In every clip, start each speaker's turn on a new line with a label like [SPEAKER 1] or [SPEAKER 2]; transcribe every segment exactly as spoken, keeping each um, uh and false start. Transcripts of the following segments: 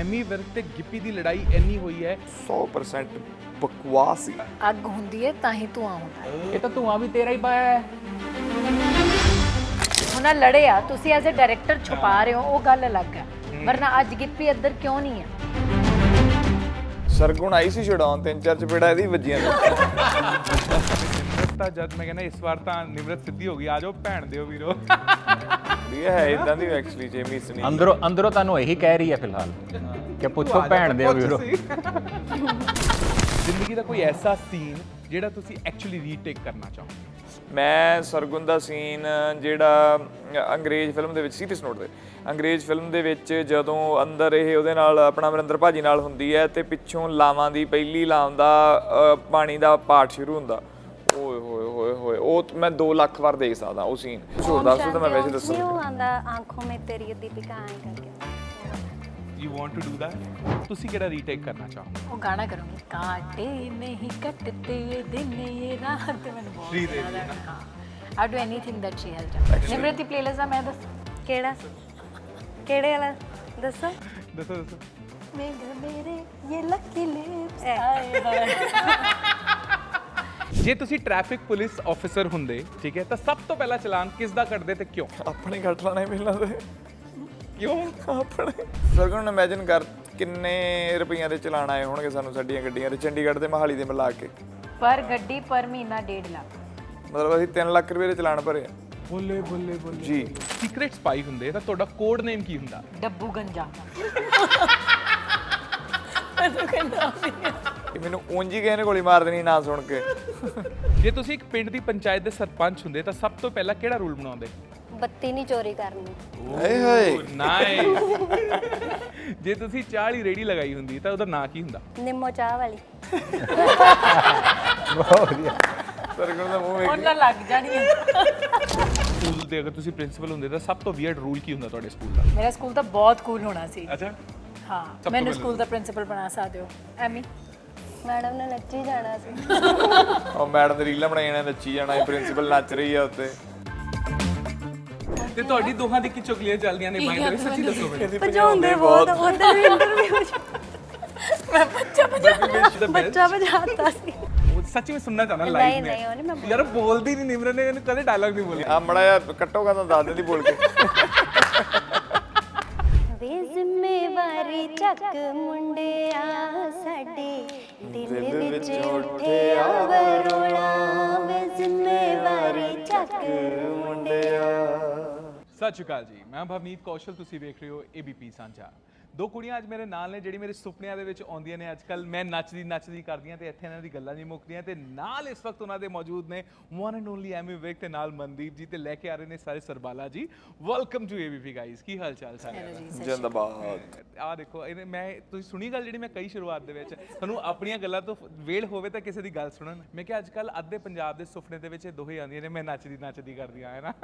[SPEAKER 1] ਐਮੀ ਵਿਰਕ ਤੇ ਗਿੱਪੀ ਦੀ ਲੜਾਈ ਇੰਨੀ ਹੋਈ ਹੈ
[SPEAKER 2] ਸੌ ਪਰਸੈਂਟ ਬਕਵਾਸ ਸੀ।
[SPEAKER 3] ਅੱਗ ਹੁੰਦੀ ਹੈ ਤਾਂ ਹੀ ਧੂਆਂ ਹੁੰਦਾ ਹੈ।
[SPEAKER 1] ਇਹ ਤਾਂ ਧੂਆਂ ਵੀ ਤੇਰਾ ਹੀ ਪਾਇਆ ਹੈ।
[SPEAKER 3] ਹੁਣ ਲੜੇ ਆ ਤੁਸੀਂ ਐਜ਼ ਅ ਡਾਇਰੈਕਟਰ ਛੁਪਾ ਰਹੇ ਹੋ, ਉਹ ਗੱਲ ਅਲੱਗ ਹੈ। ਵਰਨਾ ਅੱਜ ਗਿੱਪੀ ਇੱਧਰ ਕਿਉਂ ਨਹੀਂ ਹੈ?
[SPEAKER 2] ਸਰਗੁਣ ਆਈ ਸੀ ਛਡਾਉਣ, ਤਿੰਨ ਚਾਰ ਚਪੇੜਾ ਇਹਦੀ ਵੱਜੀਆਂ ਨੇ।
[SPEAKER 1] ਨਿਮਰਤ ਤਾਂ ਜਦ ਮੈਂ ਕਹਿੰਦਾ ਇਸ ਵਾਰ ਤਾਂ ਨਿਮਰਤ ਸਿੱਧੀ ਹੋ ਗਈ, ਆ ਜਾਓ ਭੈਣ ਦਿਓ ਵੀਰੋ।
[SPEAKER 2] ਇਹ ਹੈ ਇਦਾਂ ਦੀ ਐਕਚੁਅਲੀ ਜੇਮੀ ਸਨੀ
[SPEAKER 4] ਅੰਦਰੋਂ ਅੰਦਰੋਂ ਤੁਹਾਨੂੰ ਇਹੀ ਕਹਿ ਰਹੀ ਹੈ ਫਿਲਹਾਲ ਕਿ ਪੁੱਛੋ ਭੈਣ ਦੇ ਵੀਰੋ।
[SPEAKER 1] ਜ਼ਿੰਦਗੀ ਦਾ ਕੋਈ ਐਸਾ ਸੀਨ ਜਿਹੜਾ ਤੁਸੀਂ ਐਕਚੁਅਲੀ ਰੀਟੇਕ ਕਰਨਾ ਚਾਹੋ?
[SPEAKER 2] ਮੈਂ ਸਰਗੁਣ ਦਾ ਸੀਨ ਜਿਹੜਾ ਅੰਗਰੇਜ਼ ਫਿਲਮ ਦੇ ਵਿੱਚ ਸੀਰੀਅਸ ਨੋਟ ਤੇ ਅੰਗਰੇਜ਼ ਫਿਲਮ ਦੇ ਵਿੱਚ ਜਦੋਂ ਅੰਦਰ ਇਹ ਉਹਦੇ ਨਾਲ ਆਪਣਾ ਅਮਰਿੰਦਰ ਭਾਜੀ ਨਾਲ ਹੁੰਦੀ ਹੈ ਤੇ ਪਿੱਛੋਂ ਲਾਵਾਂ ਦੀ ਪਹਿਲੀ ਲਾਮ ਦਾ ਪਾਣੀ ਦਾ ਪਾਠ ਸ਼ੁਰੂ ਹੁੰਦਾ, ਓਏ ਹੋਏ ਹੋਏ ਹੋਏ ਉਹ ਮੈਂ ਦੋ ਲੱਖ ਵਾਰ ਦੇਖ ਸਕਦਾ ਉਹ ਸੀਨ। ਛੋੜ ਦੱਸ ਤਾਂ ਮੈਂ ਵੈਸੇ ਦੱਸਾਂ
[SPEAKER 5] ਨਹੀਂ ਉਹ ਆਂਦਾ ਆਂਖੋਂ ਮੇ ਤੇਰੀ ਦੀਪਿਕਾ ਆਏ ਕਰਕੇ।
[SPEAKER 1] You want to do that? ਤੁਸੀਂ ਕਿਹੜਾ ਰੀਟੇਕ ਕਰਨਾ ਚਾਹੋ?
[SPEAKER 3] ਉਹ ਗਾਣਾ ਕਰੂੰਗੀ, ਕਾਟੇ ਨਹੀਂ ਕੱਟਤੇ ਇਹ ਦਿਨ ਇਹ ਰਾਤ। ਮੈਨੂੰ ਬਹੁਤ ਯਾਦ ਹੈ। ਹਾਂ, I do anything that she has done. Nimrat ਦੀ ਪਲੇਲਿਸਟ ਆ, ਮੈਂ ਦੱਸ
[SPEAKER 5] ਕਿਹੜਾ ਕਿਹੜੇ ਵਾਲਾ ਦੱਸੋ
[SPEAKER 1] ਦੱਸੋ ਦੱਸੋ।
[SPEAKER 3] ਮੇਰੇ ਮੇਰੇ ਇਹ ਲੱਕੀ ਲਿਪਸ ਆਏ ਹਾਏ।
[SPEAKER 1] ਜੇ ਤੁਸੀਂ ਟ੍ਰੈਫਿਕ ਪੁਲਿਸ ਆਫੀਸਰ ਹੁੰਦੇ, ਠੀਕ ਹੈ, ਤਾਂ ਸਭ ਤੋਂ ਪਹਿਲਾਂ ਚਲਾਨ ਕਿਸ ਦਾ ਕੱਟਦੇ ਤੇ ਕਿਉਂ?
[SPEAKER 2] ਆਪਣੇ ਕੱਟ ਲਾਣੇ ਮਿਲਣਾ ਤੇ
[SPEAKER 1] ਕਿਉਂ
[SPEAKER 2] ਆਪਣੇ। ਸਰਗੁਣ ਇਮੇਜਿਨ ਕਰ ਕਿੰਨੇ ਰੁਪਈਆਂ ਦੇ ਚਲਾਨ ਆਏ ਹੋਣਗੇ ਸਾਨੂੰ ਸਾਡੀਆਂ ਗੱਡੀਆਂ ਦੇ, ਚੰਡੀਗੜ੍ਹ ਤੇ ਮੋਹਾਲੀ ਦੇ ਮਿਲਾ ਕੇ।
[SPEAKER 3] ਪਰ ਗੱਡੀ ਪਰ ਮਹੀਨਾ ਡੇਢ ਲੱਖ।
[SPEAKER 2] ਮਤਲਬ ਅਸੀਂ ਤਿੰਨ ਲੱਖ ਰੁਪਏ ਦੇ ਚਲਾਨ ਭਰੇ ਆ।
[SPEAKER 1] ਬੋਲੇ ਬੋਲੇ ਬੋਲੇ
[SPEAKER 2] ਜੀ।
[SPEAKER 1] ਸੀਕ੍ਰੇਟ ਸਪਾਈ ਹੁੰਦੇ ਤਾਂ ਤੁਹਾਡਾ ਕੋਡ ਨੇਮ ਕੀ ਹੁੰਦਾ?
[SPEAKER 3] ਡੱਬੂ ਗੰਜਾ।
[SPEAKER 2] ਕਿ ਮੈਨੂੰ ਉਂਝ ਹੀ ਕਿਸੇ ਨੇ ਗੋਲੀ ਮਾਰ ਦੇਣੀ ਨਾ ਸੁਣ ਕੇ।
[SPEAKER 1] ਜੇ ਤੁਸੀਂ ਇੱਕ ਪਿੰਡ ਦੀ ਪੰਚਾਇਤ ਦੇ ਸਰਪੰਚ ਹੁੰਦੇ ਤਾਂ ਸਭ ਤੋਂ ਪਹਿਲਾਂ ਕਿਹੜਾ ਰੂਲ ਬਣਾਉਂਦੇ?
[SPEAKER 5] ਬੱਤੀ ਨਹੀਂ ਚੋਰੀ ਕਰਨੀ।
[SPEAKER 2] ਹਾਏ ਹਾਏ
[SPEAKER 1] ਨਾਈਸ। ਜੇ ਤੁਸੀਂ ਚਾਹ ਵਾਲੀ ਰੇੜੀ ਲਗਾਈ ਹੁੰਦੀ ਤਾਂ ਉਹਦਾ ਨਾਂ ਕੀ ਹੁੰਦਾ?
[SPEAKER 5] ਨਿੰਮੋ ਚਾਹ ਵਾਲੀ।
[SPEAKER 4] ਬਹੁਤ ਵਧੀਆ।
[SPEAKER 2] ਸਰਗੁਣ ਦਾ ਮੂੰਹ ਵੇਖ
[SPEAKER 3] ਉਹਨਾਂ ਲੱਗ ਜਾਣੀ ਹੈ।
[SPEAKER 1] ਸਕੂਲ ਦੇ ਅਗਰ ਤੁਸੀਂ ਪ੍ਰਿੰਸੀਪਲ ਹੁੰਦੇ ਤਾਂ ਸਭ ਤੋਂ ਵੀਅਰਡ ਰੂਲ ਕੀ ਹੁੰਦਾ ਤੁਹਾਡੇ ਸਕੂਲ ਦਾ?
[SPEAKER 3] ਮੇਰਾ ਸਕੂਲ ਤਾਂ ਬਹੁਤ ਕੂਲ ਹੋਣਾ ਸੀ।
[SPEAKER 1] ਅੱਛਾ,
[SPEAKER 3] ਹਾਂ,
[SPEAKER 1] ਤੋਂ
[SPEAKER 3] ਮੈਨੂੰ
[SPEAKER 1] ਪਹਿਲਾਂ।
[SPEAKER 3] ਸਕੂਲ ਦਾ ਪ੍ਰਿੰਸੀਪਲ ਬਣਾ ਸਕਦੇ ਹੋ। ਐਮੀ
[SPEAKER 5] ਮੈਡਮ ਨੇ ਨੱਚੀ ਜਾਣਾ ਸੀ।
[SPEAKER 2] ਉਹ ਮੈਡਮ ਦੇ ਰੀਲਾਂ ਬਣਾਈ ਜਾਣਾ, ਨੱਚੀ ਜਾਣਾ, ਇਹ ਪ੍ਰਿੰਸੀਪਲ ਨੱਚ ਰਹੀ ਆ ਉੱਤੇ।
[SPEAKER 1] ਤੇ ਤੁਹਾਡੀ ਦੋਹਾਂ ਦੀ ਕੀ ਚੁਗਲੀਆਂ ਚੱਲਦੀਆਂ ਨੇ ਮਾਈਂਡ ਦੇ ਵਿੱਚ? ਸੱਚੀ ਦੱਸੋ ਮੈਨੂੰ।
[SPEAKER 5] ਭਜਾਉਂਦੇ ਬਹੁਤ ਉਹਦੇ ਵੀ ਇੰਟਰਵਿਊ ਚ ਮੈਂ ਬੱਚਾ ਭਜਾ ਬੱਚਾ ਭਜਾਤਾ ਸੀ।
[SPEAKER 1] ਉਹ ਸੱਚੀ ਮੈਂ ਸੁਣਨਾ ਚਾਹਣਾ
[SPEAKER 5] ਨਹੀਂ
[SPEAKER 1] ਲਾਈਵ
[SPEAKER 5] ਨਹੀਂ ਉਹ ਨਹੀਂ ਮੈਂ
[SPEAKER 1] में यार बोलती नहीं निमरन ने कदे डायलॉग नहीं बोली।
[SPEAKER 2] ਆ ਮੜਾ ਯਾਰ ਕੱਟੋਗਾ ਤਾਂ ਦੱਸ ਦਿੰਦੀ ਬੋਲ ਕੇ।
[SPEAKER 5] ਵੇ ਜ਼ਿੰਮੇਵਾਰੀ ਚੱਕ ਮੁੰਡਿਆ ਸਾਡੇ ਦਿਲ ਵਿੱਚ ਉੱਠਿਆ ਵਰੋਲਾ। ਵੇ ਜ਼ਿੰਮੇਵਾਰੀ ਚੱਕ ਮੁੰਡਿਆ।
[SPEAKER 1] ਸਤਿ ਸ਼੍ਰੀ ਅਕਾਲ ਜੀ, ਮੈਂ ਭਵਨੀਤ ਕੌਸ਼ਲ, ਤੁਸੀਂ ਵੇਖ ਰਹੇ ਹੋ ਏਬੀਪੀ ਸਾਂਝਾ। ਦੋ ਕੁੜੀਆਂ ਅੱਜ ਮੇਰੇ ਨਾਲ ਨੇ ਜਿਹੜੀ ਮੇਰੇ ਸੁਪਨਿਆਂ ਦੇ ਵਿੱਚ ਆਉਂਦੀਆਂ ਨੇ। ਅੱਜ ਕੱਲ ਮੈਂ ਨੱਚਦੀ ਨੱਚਦੀ ਕਰਦੀਆਂ ਤੇ ਇੱਥੇ ਇਹਨਾਂ ਦੀ ਗੱਲਾਂ ਨਹੀਂ ਮੁੱਕਦੀਆਂ। ਤੇ ਨਾਲ ਇਸ ਵਕਤ ਉਹਨਾਂ ਦੇ ਮੌਜੂਦ ਨੇ one and only Ammy Virk ਤੇ ਨਾਲ ਮਨਦੀਪ ਜੀ, ਤੇ ਲੈ ਕੇ ਆ ਰਹੇ ਨੇ ਸਾਰੇ Sarbala ji. Welcome to ABP guys. ਕੀ ਹਾਲ ਚਾਲ ਸਾਰਿਆਂ ਦਾ?
[SPEAKER 2] ਜਿੰਦਾਬਾਦ।
[SPEAKER 1] ਆਹ ਦੇਖੋ ਇਹਨੇ ਮੈਂ ਤੁਸੀਂ ਸੁਣੀ ਗੱਲ ਜਿਹੜੀ ਮੈਂ ਕਹੀ ਸ਼ੁਰੂਆਤ ਦੇ ਵਿੱਚ, ਤੁਹਾਨੂੰ ਆਪਣੀਆਂ ਗੱਲਾਂ ਤੋਂ ਵੇਲ ਹੋਵੇ ਤਾਂ ਕਿਸੇ ਦੀ ਗੱਲ ਸੁਣਨ। ਮੈਂ ਕਿਹਾ ਅੱਜ ਕੱਲ ਅੱਧੇ ਪੰਜਾਬ ਦੇ ਸੁਪਨੇ ਦੇ ਵਿੱਚ ਇਹ ਦੋਹੇ ਆਉਂਦੀਆਂ ਨੇ, ਮੈਂ ਨੱਚਦੀ ਨੱਚਦੀ ਕਰਦੀਆਂ ਹੈ ਨਾ।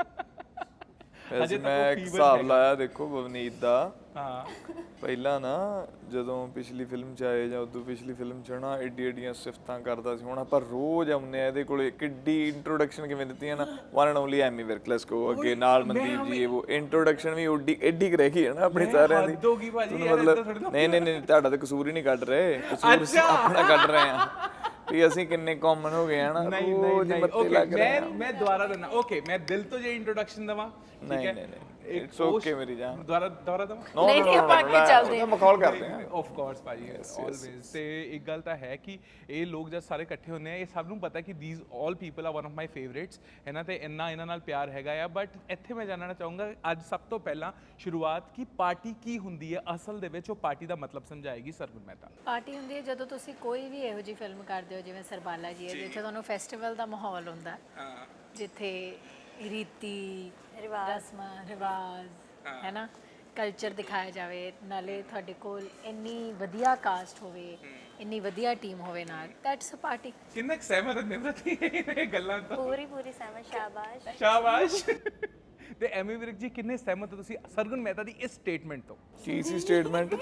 [SPEAKER 2] ਵੈਸੇ ਮੈਂ ਇੱਕ ਹਿਸਾਬ ਲਾਇਆ ਦੇਖੋ ਬਵਨੀਤ ਦਾ।
[SPEAKER 1] ਹਾਂ,
[SPEAKER 2] ਪਹਿਲਾਂ ਨਾ ਜਦੋਂ ਪਿਛਲੀ ਫਿਲਮ 'ਚ ਆਏ ਜਾਂ ਉਦੋਂ ਪਿਛਲੀ ਫਿਲਮ 'ਚ ਨਾ ਏਡੀ ਏਡੀਆਂ ਸਿਫਤਾਂ ਕਰਦਾ ਸੀ। ਹੁਣ ਆਪਾਂ ਰੋਜ਼ ਆਉਂਦੇ ਆ ਇਹਦੇ ਕੋਲੇ। ਕਿੱਡੀ ਇੰਟਰੋਡਕਸ਼ਨ ਕਿਵੇਂ ਦਿੱਤੀਆਂ ਨਾ, one and only Ammy Virk, let's go ਅੱਗੇ ਨਾਲ ਮਨਦੀਪ ਜੀ। ਉਹ ਇੰਟਰੋਡਕਸ਼ਨ ਵੀ ਓਡੀ ਏਡੀ ਕੁ ਰਹਿ ਗਈ ਹੈ ਨਾ ਆਪਣੀ ਸਾਰਿਆਂ ਦੀ। ਤੁਹਾਨੂੰ ਮਤਲਬ ਨਹੀਂ ਨਹੀਂ ਨਹੀਂ ਤੁਹਾਡਾ ਤਾਂ ਕਸੂਰ ਹੀ ਨਹੀਂ ਕੱਢ ਰਹੇ, ਕਸੂਰ ਅਸੀਂ ਆਪਣਾ ਕੱਢ ਰਹੇ ਆ ਵੀ ਅਸੀਂ ਕਿੰਨੇ ਕਾਮਨ ਹੋ ਗਏ ਹਨ।
[SPEAKER 1] ਨਹੀਂ ਨਹੀਂ ਨਹੀਂ ਓਕੇ, ਮੈਂ ਮੈਂ ਦੁਬਾਰਾ ਦੇਣਾ। ਓਕੇ, ਮੈਂ ਦਿਲ ਤੋਂ ਜੇ ਇੰਟਰੋਡਕਸ਼ਨ ਦਵਾਂ,
[SPEAKER 2] ਨਹੀਂ ਨਹੀਂ ਨਹੀਂ ਇਟਸ ਓਕੇ ਮੇਰੀ ਜਾਨ।
[SPEAKER 1] ਦੁਬਾਰਾ ਦੁਬਾਰਾ ਦਵਾਂ?
[SPEAKER 3] ਨਹੀਂ ਨਹੀਂ ਆਪਾਂ ਅੱਗੇ ਚੱਲਦੇ ਹਾਂ।
[SPEAKER 2] ਮਖੌਲ ਕਰਦੇ ਹਾਂ
[SPEAKER 1] ਆਫ ਕੋਰਸ ਭਾਜੀ, ਆਲਵੇਜ਼। ਤੇ ਇੱਕ ਗੱਲ ਤਾਂ ਹੈ ਕਿ ਇਹ ਲੋਕ ਜਦ ਸਾਰੇ ਇਕੱਠੇ ਹੁੰਦੇ ਆ, ਇਹ ਸਭ ਨੂੰ ਪਤਾ ਕਿ ਥੀਸ ਆਲ ਪੀਪਲ ਆ ਵਨ ਆਫ ਮਾਈ ਫੇਵਰੇਟਸ ਹੈ ਨਾ, ਤੇ ਇੰਨਾ ਇਹਨਾਂ ਨਾਲ ਪਿਆਰ ਹੈਗਾ ਆ। ਬਟ ਇੱਥੇ ਮੈਂ ਜਾਣਨਾ ਚਾਹੂੰਗਾ ਅੱਜ ਸਭ ਤੋਂ ਪਹਿਲਾਂ ਸ਼ੁਰੂਆਤ ਕਿ ਪਾਰਟੀ ਕੀ ਹੁੰਦੀ ਹੈ ਅਸਲ ਦੇ ਵਿੱਚ, ਉਹ ਪਾਰਟੀ ਦਾ ਮਤਲਬ ਸਮਝਾਏਗੀ ਸਰਗੁਣ ਮਹਿਤਾ।
[SPEAKER 3] ਪਾਰਟੀ ਹੁੰਦੀ ਹੈ ਜਦੋਂ ਤੁਸੀਂ ਕੋਈ ਵੀ ਇਹੋ ਜਿਹੀ ਫਿਲਮ ਕਰਦੇ ਹੋ ਜਿਵੇਂ ਸਰਬਾਲਾ ਜੀ ਹੈ, ਜਿੱਥੇ ਤੁਹਾਨੂੰ ਫੈਸਟੀਵਲ ਦਾ ਮਾਹੌਲ ਹੁੰਦਾ, ਜਿੱਥੇ ਰੀਤੀ ਰਸਮਾਂ ਰਿਵਾਜ ਹੈ ਨਾ, ਕਲਚਰ ਦਿਖਾਇਆ ਜਾਵੇ, ਨਾਲੇ ਤੁਹਾਡੇ ਕੋਲ ਇੰਨੀ ਵਧੀਆ ਕਾਸਟ ਹੋਵੇ, ਇੰਨੀ ਵਧੀਆ ਟੀਮ ਹੋਵੇ ਨਾਲ, ਦੈਟਸ ਅ ਪਾਰਟੀ।
[SPEAKER 1] ਕਿੰਨਾ ਸਹਿਮਤ ਨੇ ਨਿਮਰਤੀ ਇਹ ਗੱਲਾਂ ਤੋਂ?
[SPEAKER 5] ਪੂਰੀ ਪੂਰੀ ਸਮਝ। ਸ਼ਾਬਾਸ਼
[SPEAKER 1] ਸ਼ਾਬਾਸ਼। ਤੇ ਐਮੀ ਵਿਰਕ ਜੀ ਕਿੰਨੇ ਸਹਿਮਤ ਹੋ ਤੁਸੀਂ ਸਰਗੁਣ ਮਹਿਤਾ ਦੀ ਇਸ ਸਟੇਟਮੈਂਟ ਤੋਂ?
[SPEAKER 2] ਕੀ ਸੀ ਸਟੇਟਮੈਂਟ?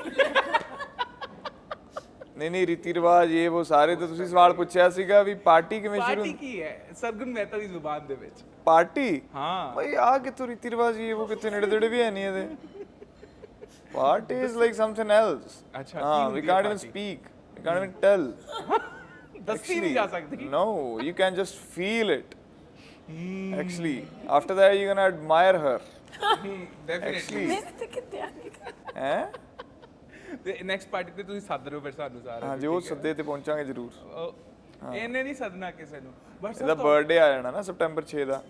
[SPEAKER 2] ਨਹੀਂ ਨਹੀਂ ਰੀਤੀ ਰਿਵਾਜ ਇਹ ਉਹ ਸਾਰੇ ਤਾਂ ਤੁਸੀਂ ਸਵਾਲ ਪੁੱਛਿਆ ਸੀਗਾ ਵੀ ਪਾਰਟੀ ਕਿਵੇਂ ਸ਼ੁਰੂ
[SPEAKER 1] ਪਾਰਟੀ ਕੀ ਹੈ ਸਰਗੁਣ ਮਹਿਤਾ ਦੀ ਜ਼ੁਬਾਨ ਦੇ ਵਿੱਚ?
[SPEAKER 2] ਪਾਰਟੀ
[SPEAKER 1] ਹਾਂ
[SPEAKER 2] ਬਈ ਆ ਕਿੱਥੋਂ ਰੀਤੀ ਰਿਵਾਜ ਇਹ ਉਹ ਕਿੱਥੇ ਨੇੜੇ ਤੇੜੇ ਵੀ ਹੈ ਨਹੀਂ ਇਹਦੇ। Party is like something else.
[SPEAKER 1] ਅੱਛਾ,
[SPEAKER 2] Ah,
[SPEAKER 1] ਕੀ
[SPEAKER 2] we
[SPEAKER 1] ਹੁੰਦੀ ਹੈ
[SPEAKER 2] can't even
[SPEAKER 1] party?
[SPEAKER 2] speak. We can't even tell.
[SPEAKER 1] ਦੱਸੀ ਨਹੀਂ ਜਾ ਸਕਦੀ
[SPEAKER 2] No, you can just feel it. Actually, after that you're gonna admire her.
[SPEAKER 1] Definitely
[SPEAKER 2] Actually,
[SPEAKER 5] ਤੇ ਕਿਤੇ ਆ ਨਹੀਂ
[SPEAKER 2] ਹੈਂ?
[SPEAKER 1] ਤੇ ਨੈਕਸਟ ਪਾਰਟੀ ਤੇ ਤੁਸੀਂ ਸੱਦ ਰਹੇ ਹੋ ਫਿਰ ਸਾਨੂੰ ਸਾਰੇ
[SPEAKER 2] ਹਾਂਜੀ ਉਹ ਸੱਦੇ ਤੇ ਪਹੁੰਚਾਂਗੇ ਜ਼ਰੂਰ।
[SPEAKER 1] ਉਹ- ਇਹਨੇ ਨਹੀਂ ਸੱਦਣਾ ਕਿਸੇ ਨੂੰ ਬਸ
[SPEAKER 2] ਇਹਦਾ ਬਰਥਡੇ ਆ ਜਾਣਾ ਨਾ ਸਪਟੈਂਬਰ ਛੇ ਦਾ।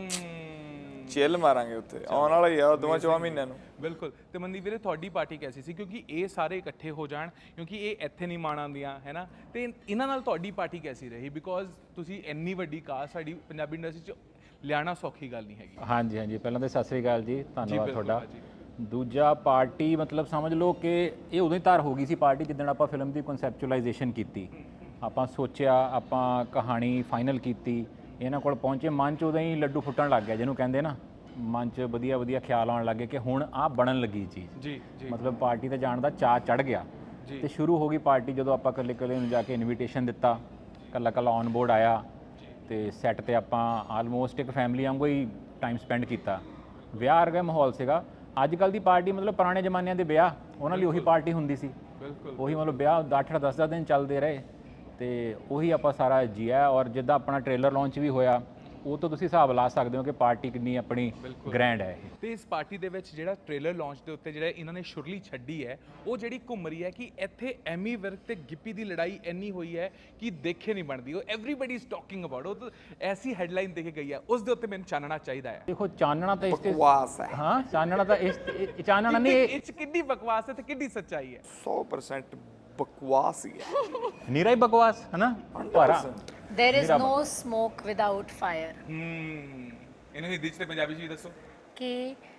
[SPEAKER 2] ਚਿੱਲ ਮਾਰਾਂਗੇ ਉੱਥੇ, ਆਉਣ ਵਾਲਾ ਹੀ ਆ ਦੋਵਾਂ ਚੌਵਾਂ ਮਹੀਨਿਆਂ ਨੂੰ।
[SPEAKER 1] ਬਿਲਕੁਲ। ਤੇ ਮਨਦੀਪ ਵੀਰੇ ਤੁਹਾਡੀ ਪਾਰਟੀ ਕੈਸੀ ਸੀ, ਕਿਉਂਕਿ ਇਹ ਸਾਰੇ ਇਕੱਠੇ ਹੋ ਜਾਣ, ਕਿਉਂਕਿ ਇਹ ਇੱਥੇ ਨਹੀਂ ਮਾਣ ਆਉਂਦੀਆਂ ਹੈ ਨਾ, ਤੇ ਇਹਨਾਂ ਨਾਲ ਤੁਹਾਡੀ ਪਾਰਟੀ ਕੈਸੀ ਰਹੀ? ਬਿਕੋਜ਼ ਤੁਸੀਂ ਇੰਨੀ ਵੱਡੀ ਕਾਸਟ ਸਾਡੀ ਪੰਜਾਬੀ ਇੰਡਸਟਰੀ 'ਚ ਲਿਆਣਾ ਸੌਖੀ ਗੱਲ ਨਹੀਂ ਹੈਗੀ।
[SPEAKER 4] ਹਾਂਜੀ ਹਾਂਜੀ, ਪਹਿਲਾਂ ਤਾਂ ਸਤਿ ਸ੍ਰੀ ਅਕਾਲ ਜੀ, ਧੰਨਵਾਦ
[SPEAKER 1] ਬਿਲਕੁਲ
[SPEAKER 4] ਤੁਹਾਡਾ।
[SPEAKER 1] ਭਾਜੀ।
[SPEAKER 4] ਦੂਜਾ ਪਾਰਟੀ ਮਤਲਬ ਸਮਝ ਲਓ ਕਿ ਇਹ ਉਦੋਂ ਹੀ ਤਿਆਰ ਹੋ ਗਈ ਸੀ ਪਾਰਟੀ ਜਿੱਦਣ ਆਪਾਂ ਫਿਲਮ ਦੀ ਕਨਸੈਪਚੁਅਲਾਈਜੇਸ਼ਨ ਕੀਤੀ। ਆਪਾਂ ਸੋਚਿਆ, ਆਪਾਂ ਕਹਾਣੀ ਫਾਈਨਲ ਕੀਤੀ, ਇਹਨਾਂ ਕੋਲ ਪਹੁੰਚੇ, ਮਨ 'ਚ ਉਦੋਂ ਹੀ ਲੱਡੂ ਫੁੱਟਣ ਲੱਗ ਗਿਆ, ਜਿਹਨੂੰ ਕਹਿੰਦੇ ਨਾ ਮਨ 'ਚ ਵਧੀਆ ਵਧੀਆ ਖਿਆਲ ਆਉਣ ਲੱਗੇ ਕਿ ਹੁਣ ਆਹ ਬਣਨ ਲੱਗੀ ਚੀਜ਼।
[SPEAKER 1] ਜੀ ਜੀ
[SPEAKER 4] ਮਤਲਬ ਪਾਰਟੀ ਤੇ ਜਾਣ ਦਾ ਚਾਅ ਚੜ ਗਿਆ ਤੇ ਸ਼ੁਰੂ ਹੋ ਗਈ ਪਾਰਟੀ। ਜਦੋਂ ਆਪਾਂ ਇਕੱਲੇ ਇਕੱਲੇ ਨੂੰ ਜਾ ਕੇ ਇਨਵੀਟੇਸ਼ਨ ਦਿੱਤਾ, ਇਕੱਲਾ ਇਕੱਲਾ ਔਨ ਬੋਰਡ ਆਇਆ ਤੇ ਸੈੱਟ ਤੇ ਆਪਾਂ ਆਲਮੋਸਟ ਇੱਕ ਫੈਮਿਲੀ ਵਾਂਗੂ ਹੀ ਟਾਈਮ ਸਪੈਂਡ ਕੀਤਾ। ਵਿਆਹ ਵਰਗਾ ਮਾਹੌਲ ਸੀਗਾ। ਅੱਜ ਕੱਲ ਦੀ ਪਾਰਟੀ ਮਤਲਬ ਪੁਰਾਣੇ ਜ਼ਮਾਨਿਆਂ ਦੇ ਵਿਆਹ, ਉਹਨਾਂ ਲਈ ਉਹੀ ਪਾਰਟੀ ਹੁੰਦੀ ਸੀ।
[SPEAKER 1] ਬਿਲਕੁਲ।
[SPEAKER 4] ਉਹੀ ਮਤਲਬ ਵਿਆਹ ਅੱਠ ਅੱਠ ਦਸ ਦਸ ਦਿਨ ਚੱਲਦੇ ਰਹੇ ਤੇ ਉਹੀ ਆਪਾਂ ਸਾਰਾ ਜੀਆ। ਔਰ ਜਿੱਦਾਂ ਆਪਣਾ ਟ੍ਰੇਲਰ ਲਾਂਚ ਵੀ ਹੋਇਆ, ਉਹ ਤੋਂ ਤੁਸੀਂ ਹਿਸਾਬ ਲਾ ਸਕਦੇ ਹੋ ਕਿ ਪਾਰਟੀ ਕਿੰਨੀ ਆਪਣੀ ਗ੍ਰੈਂਡ ਹੈ ਇਹ।
[SPEAKER 1] ਤੇ ਇਸ ਪਾਰਟੀ ਦੇ ਵਿੱਚ ਜਿਹੜਾ ਟ੍ਰੇਲਰ ਲਾਂਚ ਦੇ ਉੱਤੇ ਜਿਹੜਾ ਇਹਨਾਂ ਨੇ ਸ਼ੁਰਲੀ ਛੱਡੀ ਹੈ, ਉਹ ਜਿਹੜੀ ਘੁੰਮ ਰਹੀ ਹੈ ਕਿ ਇੱਥੇ ਐਮੀ ਵਿਰਕ ਤੇ ਗਿੱਪੀ ਦੀ ਲੜਾਈ ਇੰਨੀ ਹੋਈ ਹੈ ਕਿ ਦੇਖੇ ਨਹੀਂ ਬਣਦੀ। ਉਹ ਐਵਰੀਬਾਡੀ ਇਜ਼ ਟਾਕਿੰਗ ਅਬਾਊਟ, ਉਹ ਤਾਂ ਐਸੀ ਹੈਡਲਾਈਨ ਦੇ ਕੇ ਗਈ ਹੈ, ਉਸ ਦੇ ਉੱਤੇ ਮੈਨੂੰ ਚਾਨਣਾ ਚਾਹੀਦਾ ਹੈ।
[SPEAKER 4] ਦੇਖੋ ਚਾਨਣਾ ਤਾਂ ਇਸ ਤੇ
[SPEAKER 2] ਬਕਵਾਸ ਹੈ।
[SPEAKER 4] ਹਾਂ, ਚਾਨਣਾ ਤਾਂ ਇਸ ਇਹ- ਚਾਨਣਾ ਨਹੀਂ, ਇਹ
[SPEAKER 1] ਇਹ 'ਚ ਕਿੰਨੀ ਬਕਵਾਸ ਹੈ ਤੇ ਕਿੰਨੀ ਸੱਚਾਈ ਹੈ?
[SPEAKER 2] ਸੌ ਪਰਸੈਂਟ ਬਕਵਾਸ ਹੀ ਹੈ।
[SPEAKER 4] ਨੀਰਾ ਹੀ ਬਕਵਾਸ ਹੈ ਨਾ, ਭਾਰਾ।
[SPEAKER 3] There is no smoke without fire.
[SPEAKER 1] ਹੂੰ, ਇਹਨੂੰ ਹਿੰਦੀ 'ਚ ਤੇ ਪੰਜਾਬੀ 'ਚ ਵੀ ਦੱਸੋ।
[SPEAKER 3] ਕਿ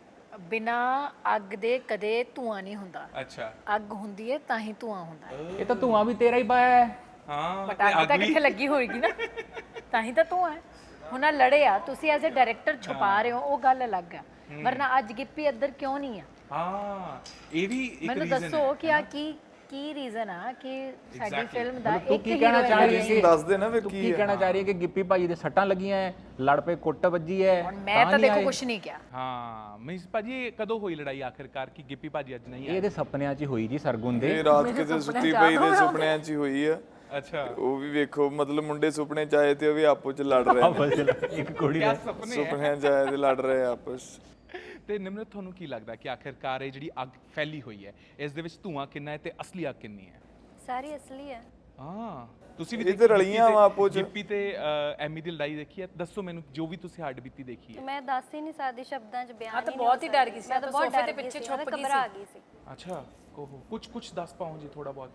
[SPEAKER 3] ਬਿਨਾ ਅੱਗ ਦੇ ਕਦੇ ਧੂਆਂ ਨਹੀਂ ਹੁੰਦਾ।
[SPEAKER 1] ਅੱਛਾ।
[SPEAKER 3] ਅੱਗ ਹੁੰਦੀ ਹੈ ਤਾਂ ਹੀ ਧੂਆਂ ਹੁੰਦਾ ਹੈ।
[SPEAKER 4] ਇਹ ਤਾਂ ਧੂਆਂ ਵੀ ਤੇਰਾ ਹੀ ਪਾਇਆ ਹੈ।
[SPEAKER 1] ਹਾਂ,
[SPEAKER 3] ਬਟ ਅੱਗ ਤਾਂ ਕਿੱਥੇ ਲੱਗੀ ਹੋਏਗੀ ਨਾ, ਤਾਂ ਹੀ ਤਾਂ ਧੂਆਂ ਹੈ। ਹੁਣ ਆਹ ਲੜੇ ਆ, ਤੁਸੀਂ ਐਜ਼ ਅ ਡਾਇਰੈਕਟਰ ਛੁਪਾ ਰਹੇ ਹੋ, ਉਹ ਗੱਲ ਅਲੱਗ ਆ। ਵਰਨਾ ਅੱਜ ਗਿੱਪੀ ਇੱਧਰ ਕਿਉਂ ਨਹੀਂ ਆ?
[SPEAKER 1] ਹਾਂ, ਇਹ ਵੀ ਇੱਕ
[SPEAKER 3] ਮੈਨੂੰ
[SPEAKER 1] ਰੀਜ਼ਨ
[SPEAKER 3] ਦੱਸੋ ਕਿ ਆ ਕੀ ਕੀ ਰੀਜ਼ਨ ਆ ਕਿ ਸਾਡੀ ਫਿਲਮ ਦਾ
[SPEAKER 4] ਤੂੰ
[SPEAKER 3] ਇੱਕ
[SPEAKER 4] ਕੀ ਕਹਿਣਾ
[SPEAKER 3] hero
[SPEAKER 4] ਚਾਹ ਰਹੀ ਹੈ
[SPEAKER 2] ਤੁਸੀਂ
[SPEAKER 4] ਕਿ
[SPEAKER 2] ਦੱਸ ਦੇ ਨਾ ਫਿਰ
[SPEAKER 4] ਤੂੰ
[SPEAKER 2] ਕੀ
[SPEAKER 4] ਕੀ
[SPEAKER 2] ਹੈ।
[SPEAKER 4] ਕਹਿਣਾ ਚਾਹ ਰਹੀ ਹੈ ਕਿ ਗਿੱਪੀ ਭਾਜੀ ਦੇ ਸੱਟਾਂ ਲੱਗੀਆਂ ਹੈ, ਲੜ ਪਏ, ਕੁੱਟ ਵੱਜੀ ਹੈ,
[SPEAKER 3] ਹੁਣ ਮੈਂ ਤਾਂ
[SPEAKER 4] ਨਹੀਂ
[SPEAKER 3] ਦੇਖੋ
[SPEAKER 4] ਆਏ?
[SPEAKER 3] ਕੁਝ ਨਹੀਂ ਕਿਹਾ।
[SPEAKER 1] ਹਾਂ, ਮੀਨਸ ਭਾਜੀ ਇਹ ਕਦੋਂ ਹੋਈ ਲੜਾਈ ਆਖਿਰਕਾਰ ਕਿ ਗਿੱਪੀ ਭਾਜੀ ਅੱਜ ਨਹੀਂ
[SPEAKER 4] ਇਹ
[SPEAKER 1] ਆਏ?
[SPEAKER 4] ਇਹਦੇ ਸੁਪਨਿਆਂ 'ਚ ਹੀ ਹੋਈ ਜੀ, ਸਰਗੁਣ ਦੇ।
[SPEAKER 2] ਇਹ ਰਾਤ ਕਿਤੇ ਸੁੱਤੀ ਪਈ ਦੇ ਸੁਪਨਿਆਂ 'ਚ ਹੀ ਹੋਈ ਆ।
[SPEAKER 1] ਅੱਛਾ।
[SPEAKER 2] ਉਹ ਵੀ ਵੇਖੋ, ਮਤਲਬ ਮੁੰਡੇ ਸੁਪਨੇ 'ਚ ਆਏ ਤੇ ਉਹ ਵੀ ਆਪੋ 'ਚ ਲੜ ਰਹੇ ਨੇ।
[SPEAKER 4] ਇੱਕ ਕੁੜੀ
[SPEAKER 1] ਕਿਆ
[SPEAKER 4] ਨੇ
[SPEAKER 1] ਸੁਪਨੇ ਹੈ?
[SPEAKER 2] ਸੁਪਨਿਆਂ 'ਚ ਆਏ ਤੇ ਲੜ ਰਹੇ ਆ ਆਪਸ।
[SPEAKER 1] ਤੇ ਨਿਮਰਤ, ਤੁਹਾਨੂੰ ਕੀ ਲੱਗਦਾ ਕਿ ਆਖਿਰਕਾਰ ਇਹ ਜਿਹੜੀ ਅੱਗ ਫੈਲੀ ਹੋਈ ਹੈ, ਇਸ ਦੇ ਵਿੱਚ ਧੂਆਂ ਕਿੰਨਾ ਹੈ ਤੇ ਅਸਲੀ ਅੱਗ ਕਿੰਨੀ ਹੈ?
[SPEAKER 5] ਸਾਰੀ ਅਸਲੀ ਹੈ।
[SPEAKER 1] ਹਾਂ, ਤੁਸੀਂ ਵੀ
[SPEAKER 2] ਇਹ ਤੇ
[SPEAKER 1] ਦੇਖੀ
[SPEAKER 2] ਰਲੀਆਂ
[SPEAKER 1] ਗਿੱਪੀ
[SPEAKER 2] ਵਾਂ ਆਪੋ 'ਚ।
[SPEAKER 1] ਤੇ- ਗਿੱਪੀ ਤੇ ਅ, ਐਮੀ ਦੀ ਲੜਾਈ ਦੇਖੀ ਹੈ? ਦੱਸੋ ਮੈਨੂੰ, ਜੋ ਵੀ ਤੁਸੀਂ ਹੱਡ ਬੀਤੀ ਦੇਖੀ ਹੈ।
[SPEAKER 5] ਮੈਂ ਦੱਸ ਹੀ ਨਹੀਂ ਸਕਦੀ ਸ਼ਬਦਾਂ 'ਚ, ਬਿਆਨ
[SPEAKER 3] ਹਾਂ, ਤਾਂ
[SPEAKER 5] ਹੀ ਨਹੀਂ
[SPEAKER 3] ਬਹੁਤ ਹੀ
[SPEAKER 5] ਹੋ
[SPEAKER 3] ਡਰ
[SPEAKER 5] ਸਕਦੀ।
[SPEAKER 3] ਗਈ ਸੀ,
[SPEAKER 5] ਮੈਂ
[SPEAKER 3] ਤਾਂ
[SPEAKER 5] ਤਾਂ ਬਹੁਤ
[SPEAKER 3] ਸੋਫੇ
[SPEAKER 5] ਡਰ
[SPEAKER 3] ਤੇ
[SPEAKER 5] ਗਈ
[SPEAKER 3] ਪਿੱਛੇ
[SPEAKER 5] ਸੀ, ਮੈਂ
[SPEAKER 3] ਛੁਪ
[SPEAKER 5] ਤਾਂ
[SPEAKER 3] ਗਈ
[SPEAKER 5] ਘਬਰਾ
[SPEAKER 3] ਸੀ।
[SPEAKER 5] ਗਈ ਸੀ।
[SPEAKER 1] ਅੱਛਾ, ਕੋਹ ਕੁਝ ਕੁਝ ਦੱਸ ਪਾਓ ਜੀ ਥੋੜਾ ਬਹੁਤ।